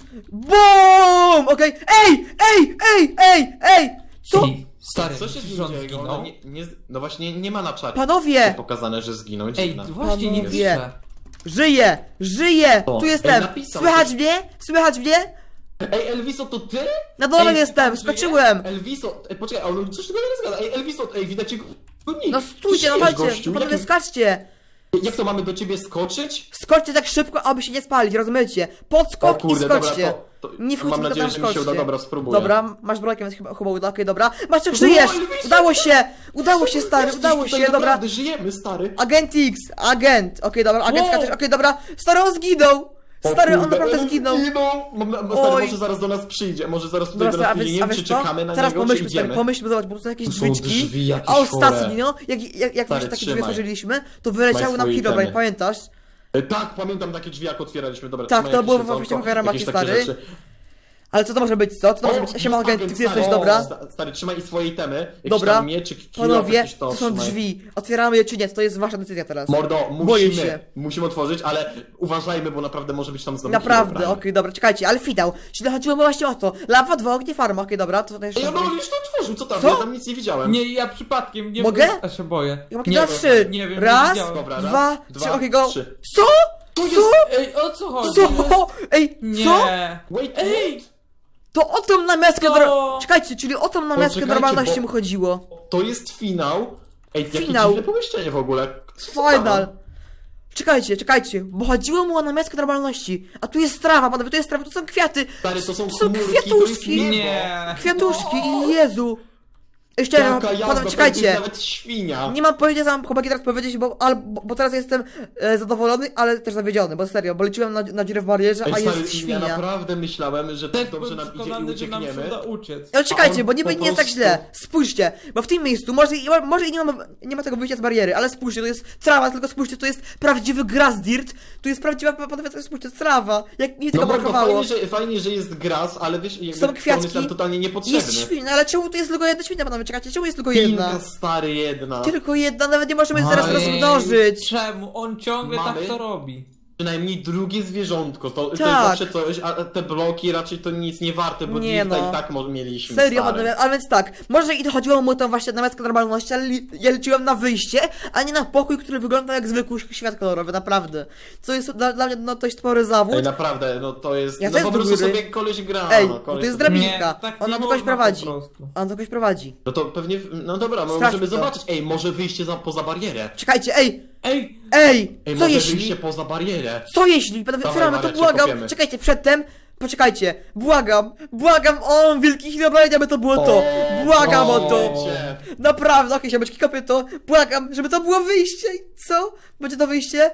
[SPEAKER 1] BOOM! Okej, ej, ej, ej, ej, ej! Co?
[SPEAKER 3] Ej, stary,
[SPEAKER 2] Co się z
[SPEAKER 3] myślisz,
[SPEAKER 2] nim
[SPEAKER 3] że on
[SPEAKER 2] dzieje?
[SPEAKER 3] zginął?
[SPEAKER 2] No, nie, nie, no właśnie nie ma na czacie
[SPEAKER 1] Panowie!
[SPEAKER 2] pokazane, że zginął.
[SPEAKER 3] Ej,
[SPEAKER 2] Dziwne.
[SPEAKER 3] właśnie nie
[SPEAKER 1] Panowie.
[SPEAKER 3] pisze.
[SPEAKER 1] Żyję! Żyję!
[SPEAKER 2] O,
[SPEAKER 1] Tu
[SPEAKER 2] ej,
[SPEAKER 1] jestem!
[SPEAKER 2] napisał
[SPEAKER 1] Słychać
[SPEAKER 2] coś.
[SPEAKER 1] mnie? Słychać mnie?
[SPEAKER 2] Ej, Elviso, to ty?
[SPEAKER 1] Na dole
[SPEAKER 2] Ej,
[SPEAKER 1] jestem,
[SPEAKER 2] pan
[SPEAKER 1] skoczyłem!
[SPEAKER 2] żyje? Elviso, ej, poczekaj, ale coś tego nie zgadza. Ej, Elviso, ej, widać jego nick.
[SPEAKER 1] No stójcie, no
[SPEAKER 2] Ty żyjesz,
[SPEAKER 1] chodźcie,
[SPEAKER 2] gościu.
[SPEAKER 1] panowie,
[SPEAKER 2] Jak,
[SPEAKER 1] skaczcie!
[SPEAKER 2] jak to mamy do ciebie skoczyć?
[SPEAKER 1] Skoczcie tak szybko, aby się nie spalić, rozumiecie?
[SPEAKER 2] O
[SPEAKER 1] Podskok
[SPEAKER 2] kurde,
[SPEAKER 1] i
[SPEAKER 2] dobra,
[SPEAKER 1] skoczcie!
[SPEAKER 2] to, to
[SPEAKER 1] Nie wchodźcie,
[SPEAKER 2] mam
[SPEAKER 1] tylko
[SPEAKER 2] nadzieję,
[SPEAKER 1] tam
[SPEAKER 2] że mi się uda,
[SPEAKER 1] skoczcie.
[SPEAKER 2] dobra, spróbuję.
[SPEAKER 1] Dobra, masz brokę, więc chyba, chyba uda, okej, dobra. Maciek, żyjesz!
[SPEAKER 2] Elviso,
[SPEAKER 1] Udało się! Udało się, stary,
[SPEAKER 2] Jesteś
[SPEAKER 1] udało
[SPEAKER 2] tutaj,
[SPEAKER 1] się, dobra.
[SPEAKER 2] naprawdę, żyjemy, stary.
[SPEAKER 1] Agent X, agent, okej, dobra, agent
[SPEAKER 3] Wow.
[SPEAKER 1] skaczesz, okej, dobra. Stary, on zginął!
[SPEAKER 2] O
[SPEAKER 1] Stary, on
[SPEAKER 2] kurde,
[SPEAKER 1] naprawdę
[SPEAKER 2] ale
[SPEAKER 1] zginął.
[SPEAKER 2] zginął. Mam, na- stary,
[SPEAKER 1] Oj.
[SPEAKER 2] może zaraz do nas przyjdzie, może zaraz tutaj
[SPEAKER 1] Dobra,
[SPEAKER 2] do
[SPEAKER 1] stary,
[SPEAKER 2] nas
[SPEAKER 1] a
[SPEAKER 2] przyjdzie,
[SPEAKER 1] wiesz,
[SPEAKER 2] nie
[SPEAKER 1] a
[SPEAKER 2] wiem, czy
[SPEAKER 1] wiesz co?
[SPEAKER 2] czekamy na
[SPEAKER 1] Teraz
[SPEAKER 2] niego, czy
[SPEAKER 1] pomyślmy,
[SPEAKER 2] idziemy.
[SPEAKER 1] stary, pomyślmy, zobacz, bo to są jakieś
[SPEAKER 2] To są
[SPEAKER 1] drzwiczki.
[SPEAKER 2] drzwi jakieś
[SPEAKER 1] A
[SPEAKER 2] chore.
[SPEAKER 1] ostatnio, jak, jak, jak
[SPEAKER 2] Stary,
[SPEAKER 1] właśnie takie drzwi
[SPEAKER 2] trzymaj.
[SPEAKER 1] otworzyliśmy, to wyleciały
[SPEAKER 2] Trzymaj
[SPEAKER 1] nam
[SPEAKER 2] swoje
[SPEAKER 1] Herobrine,
[SPEAKER 2] itemy.
[SPEAKER 1] pamiętasz?
[SPEAKER 2] E, Tak, pamiętam takie drzwi, jak otwieraliśmy, dobra.
[SPEAKER 1] Tak,
[SPEAKER 2] trzymaj
[SPEAKER 1] to
[SPEAKER 2] jakieś
[SPEAKER 1] było
[SPEAKER 2] jedzonko,
[SPEAKER 1] właśnie w ramach,
[SPEAKER 2] jakieś takie
[SPEAKER 1] stary.
[SPEAKER 2] rzeczy.
[SPEAKER 1] Ale co to może być, co? Co to może
[SPEAKER 2] O,
[SPEAKER 1] być? Siema,
[SPEAKER 2] jest
[SPEAKER 1] agent,
[SPEAKER 2] agent,
[SPEAKER 1] ty jesteś,
[SPEAKER 2] stary.
[SPEAKER 1] dobra?
[SPEAKER 2] O, sta- Stary, trzymaj i swoje itemy. Jakiś
[SPEAKER 1] Dobra.
[SPEAKER 2] tam mieczyk, kilo,
[SPEAKER 1] Panowie,
[SPEAKER 2] jakieś to
[SPEAKER 1] to są
[SPEAKER 2] trzymaj.
[SPEAKER 1] drzwi. Otwieramy je czy nie, to jest wasza decyzja teraz.
[SPEAKER 2] Mordo,
[SPEAKER 1] Boję
[SPEAKER 2] musimy,
[SPEAKER 1] się.
[SPEAKER 2] musimy otworzyć, ale uważajmy, bo naprawdę może być tam znowu
[SPEAKER 1] Naprawdę, okej,
[SPEAKER 2] Herobrine.
[SPEAKER 1] dobra, czekajcie, ale finał. Czyli chodziło mi właśnie o to. Lawa, dwa ognie, farma, okej, dobra, to jeszcze...
[SPEAKER 2] Ej, ja no już to otworzył, co tam?
[SPEAKER 1] Co?
[SPEAKER 2] Ja tam nic nie widziałem.
[SPEAKER 3] Nie, ja przypadkiem, nie
[SPEAKER 1] Mogę?
[SPEAKER 3] Ja się boję.
[SPEAKER 1] Ja mogę
[SPEAKER 3] Nie
[SPEAKER 1] na
[SPEAKER 3] wiem,
[SPEAKER 1] trzy.
[SPEAKER 3] Nie wiem,
[SPEAKER 1] Raz,
[SPEAKER 3] nie widziałem.
[SPEAKER 2] Dobra, raz,
[SPEAKER 1] dwa,
[SPEAKER 2] dwa,
[SPEAKER 1] trzy, okej, go.
[SPEAKER 2] trzy.
[SPEAKER 1] Co?
[SPEAKER 2] To jest...
[SPEAKER 1] Co?
[SPEAKER 3] Ej, o co chodzi?
[SPEAKER 1] Co? Ej,
[SPEAKER 3] Nie.
[SPEAKER 1] co?
[SPEAKER 2] Wait,
[SPEAKER 3] Ej,
[SPEAKER 2] wait.
[SPEAKER 1] To o tą namiastkę...
[SPEAKER 3] Co?
[SPEAKER 1] Dro... Czekajcie, czyli o tą namiastkę
[SPEAKER 2] Poczekajcie,
[SPEAKER 1] normalności
[SPEAKER 2] bo-
[SPEAKER 1] mu chodziło.
[SPEAKER 2] To jest finał. Ej, jakie
[SPEAKER 1] Finał.
[SPEAKER 2] dziwne pomieszczenie w ogóle. Co
[SPEAKER 1] Final.
[SPEAKER 2] tam?
[SPEAKER 1] Czekajcie, czekajcie, bo chodziło mu o namiastkę normalności. A tu jest trawa, panowie, tu jest trawa, tu są kwiaty.
[SPEAKER 2] Stary, to są
[SPEAKER 1] To są
[SPEAKER 2] chmurki, to jest
[SPEAKER 1] kwiatuszki.
[SPEAKER 2] niebo.
[SPEAKER 3] nie.
[SPEAKER 1] Kwiatuszki, Jezu. Jeszcze raz,
[SPEAKER 2] Taka jazda,
[SPEAKER 1] panowie,
[SPEAKER 2] to
[SPEAKER 1] czekajcie.
[SPEAKER 2] jest nawet świnia.
[SPEAKER 1] Nie mam pojęcia, co mam chłopaki teraz powiedzieć, bo, al, bo, bo teraz jestem e, zadowolony, ale też zawiedziony, bo serio, bo liczyłem na, na dziurę w barierze,
[SPEAKER 2] Ej,
[SPEAKER 1] a
[SPEAKER 2] stary,
[SPEAKER 1] jest
[SPEAKER 2] ja
[SPEAKER 1] świnia.
[SPEAKER 2] naprawdę myślałem, że tak
[SPEAKER 3] Też
[SPEAKER 2] dobrze
[SPEAKER 3] byłem
[SPEAKER 2] nam idzie i
[SPEAKER 3] przekonany, że nam się
[SPEAKER 2] uciekniemy.
[SPEAKER 3] uda uciec.
[SPEAKER 1] Ale czekajcie,
[SPEAKER 2] on
[SPEAKER 1] bo niby
[SPEAKER 2] po
[SPEAKER 1] nie jest tak
[SPEAKER 2] prostu-
[SPEAKER 1] źle. Spójrzcie, bo w tym miejscu może, i- może i nie ma, nie ma tego wyjścia z bariery, ale spójrzcie, to jest trawa, tylko spójrzcie, to jest prawdziwy grass dirt, tu jest prawdziwa, panowie, to jest, spójrzcie, trawa, jak mi
[SPEAKER 2] No
[SPEAKER 1] tego
[SPEAKER 2] mordo,
[SPEAKER 1] brakowało.
[SPEAKER 2] fajnie że, fajnie, że jest gras, ale wiesz, jakby
[SPEAKER 1] Są kwiatki,
[SPEAKER 2] pomysł nam totalnie niepotrzebny.
[SPEAKER 1] Jest świnia, ale czemu tu jest tylko jedna świnia, panowie, czekajcie, czemu jest tylko jedna?
[SPEAKER 2] Pinka, stary, jedna.
[SPEAKER 1] Tylko jedna, nawet nie możemy teraz
[SPEAKER 3] Ojej,
[SPEAKER 1] rozmnożyć.
[SPEAKER 3] Czemu? On ciągle
[SPEAKER 2] Mamy?
[SPEAKER 3] tak to robi.
[SPEAKER 2] Przynajmniej drugie zwierzątko, to, to jest
[SPEAKER 1] Tak.
[SPEAKER 2] zawsze coś, a te bloki raczej to nic nie warte, bo
[SPEAKER 1] Nie
[SPEAKER 2] drifta
[SPEAKER 1] no.
[SPEAKER 2] i tak mo- mieliśmy,
[SPEAKER 1] Serio,
[SPEAKER 2] stary.
[SPEAKER 1] panowie, ale więc tak, może i chodziło mu to właśnie na metkę normalności, ale li, ja liczyłem na wyjście, a nie na pokój, który wygląda jak zwykły świat kolorowy, naprawdę. Co jest dla, dla mnie no dość spory zawód.
[SPEAKER 2] Ej, naprawdę, no to jest,
[SPEAKER 1] Ja
[SPEAKER 2] no
[SPEAKER 1] też
[SPEAKER 2] po
[SPEAKER 1] do
[SPEAKER 2] prostu
[SPEAKER 1] góry.
[SPEAKER 2] sobie koleś gra,
[SPEAKER 1] Ej,
[SPEAKER 2] no,
[SPEAKER 1] bo
[SPEAKER 2] koleś
[SPEAKER 1] to jest
[SPEAKER 2] sobie-
[SPEAKER 1] drabinka.
[SPEAKER 3] Nie, tak
[SPEAKER 1] Ona
[SPEAKER 3] nie
[SPEAKER 1] do kogoś
[SPEAKER 3] można
[SPEAKER 1] prowadzi.
[SPEAKER 3] po prostu.
[SPEAKER 1] On do kogoś prowadzi.
[SPEAKER 2] No to pewnie, no dobra, no
[SPEAKER 1] Sprawdźmy
[SPEAKER 2] możemy
[SPEAKER 1] to.
[SPEAKER 2] zobaczyć, ej, może wyjście za, poza barierę.
[SPEAKER 1] Czekajcie, ej,
[SPEAKER 3] Ej,
[SPEAKER 1] ej,
[SPEAKER 2] Ej,
[SPEAKER 1] co
[SPEAKER 2] może
[SPEAKER 1] jeśli,
[SPEAKER 2] wyjście poza barierę.
[SPEAKER 1] co jeśli, panowie,
[SPEAKER 2] Dawaj,
[SPEAKER 1] otwieramy, to
[SPEAKER 2] Marek, się
[SPEAKER 1] błagam,
[SPEAKER 2] kopiemy.
[SPEAKER 1] czekajcie, przedtem, poczekajcie, błagam, błagam, o, wielki Herobrine, aby to było to, błagam o to.
[SPEAKER 2] Cię.
[SPEAKER 1] Naprawdę, okej, siameczki, kopię to. Błagam, żeby to było wyjście. I co? Będzie to wyjście?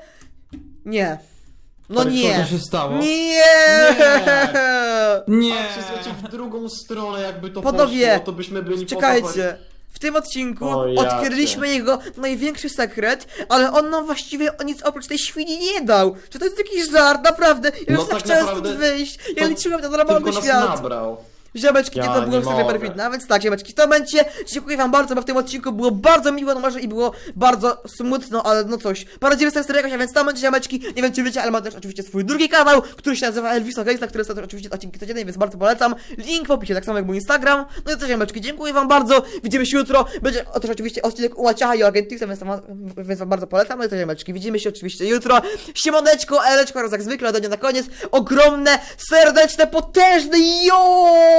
[SPEAKER 1] Nie. No
[SPEAKER 2] Ale co
[SPEAKER 1] nie.
[SPEAKER 3] co się stało?
[SPEAKER 1] Nie.
[SPEAKER 3] Nie.
[SPEAKER 2] Patrzcie, słuchajcie, w drugą stronę jakby to
[SPEAKER 1] Panowie,
[SPEAKER 2] poszło, to byśmy byli poza
[SPEAKER 1] Czekajcie. w tym odcinku
[SPEAKER 2] O, ja
[SPEAKER 1] odkryliśmy
[SPEAKER 2] cię.
[SPEAKER 1] jego największy sekret, ale on nam właściwie nic oprócz tej świni nie dał. Czy to jest jakiś żart, naprawdę? Ja
[SPEAKER 2] No
[SPEAKER 1] już tak
[SPEAKER 2] tak
[SPEAKER 1] chciałem
[SPEAKER 2] naprawdę
[SPEAKER 1] stąd wyjść. Ja
[SPEAKER 2] to
[SPEAKER 1] liczyłem na normalny
[SPEAKER 2] Tylko nas
[SPEAKER 1] świat.
[SPEAKER 2] nabrał.
[SPEAKER 1] Ziomeczki,
[SPEAKER 2] Ja
[SPEAKER 1] nie to było
[SPEAKER 2] nie
[SPEAKER 1] sobie
[SPEAKER 2] mogę.
[SPEAKER 1] perfidne, a więc tak, ziomeczki, w tym momencie dziękuję wam bardzo, bo w tym odcinku było bardzo miło, no może i było bardzo smutno, ale no coś. Poradzimy sobie z tym jakoś, a więc w tym momencie, ziomeczki, nie wiem czy wiecie, ale mam też oczywiście swój drugi kanał, który się nazywa Elviso Games, na którym są też oczywiście odcinki codziennie, więc bardzo polecam. Link w opisie, tak samo jak mój Instagram. No i co, ziomeczki, dziękuję wam bardzo, widzimy się jutro, będzie też oczywiście odcinek u Maciacha i Argentixa, więc, tam- więc wam bardzo polecam. No i co, ziomeczki, widzimy się oczywiście jutro. Siemoneczko, Eleczko, oraz jak zwykle, do dnia na koniec, ogromne, serdeczne, potężne, jo!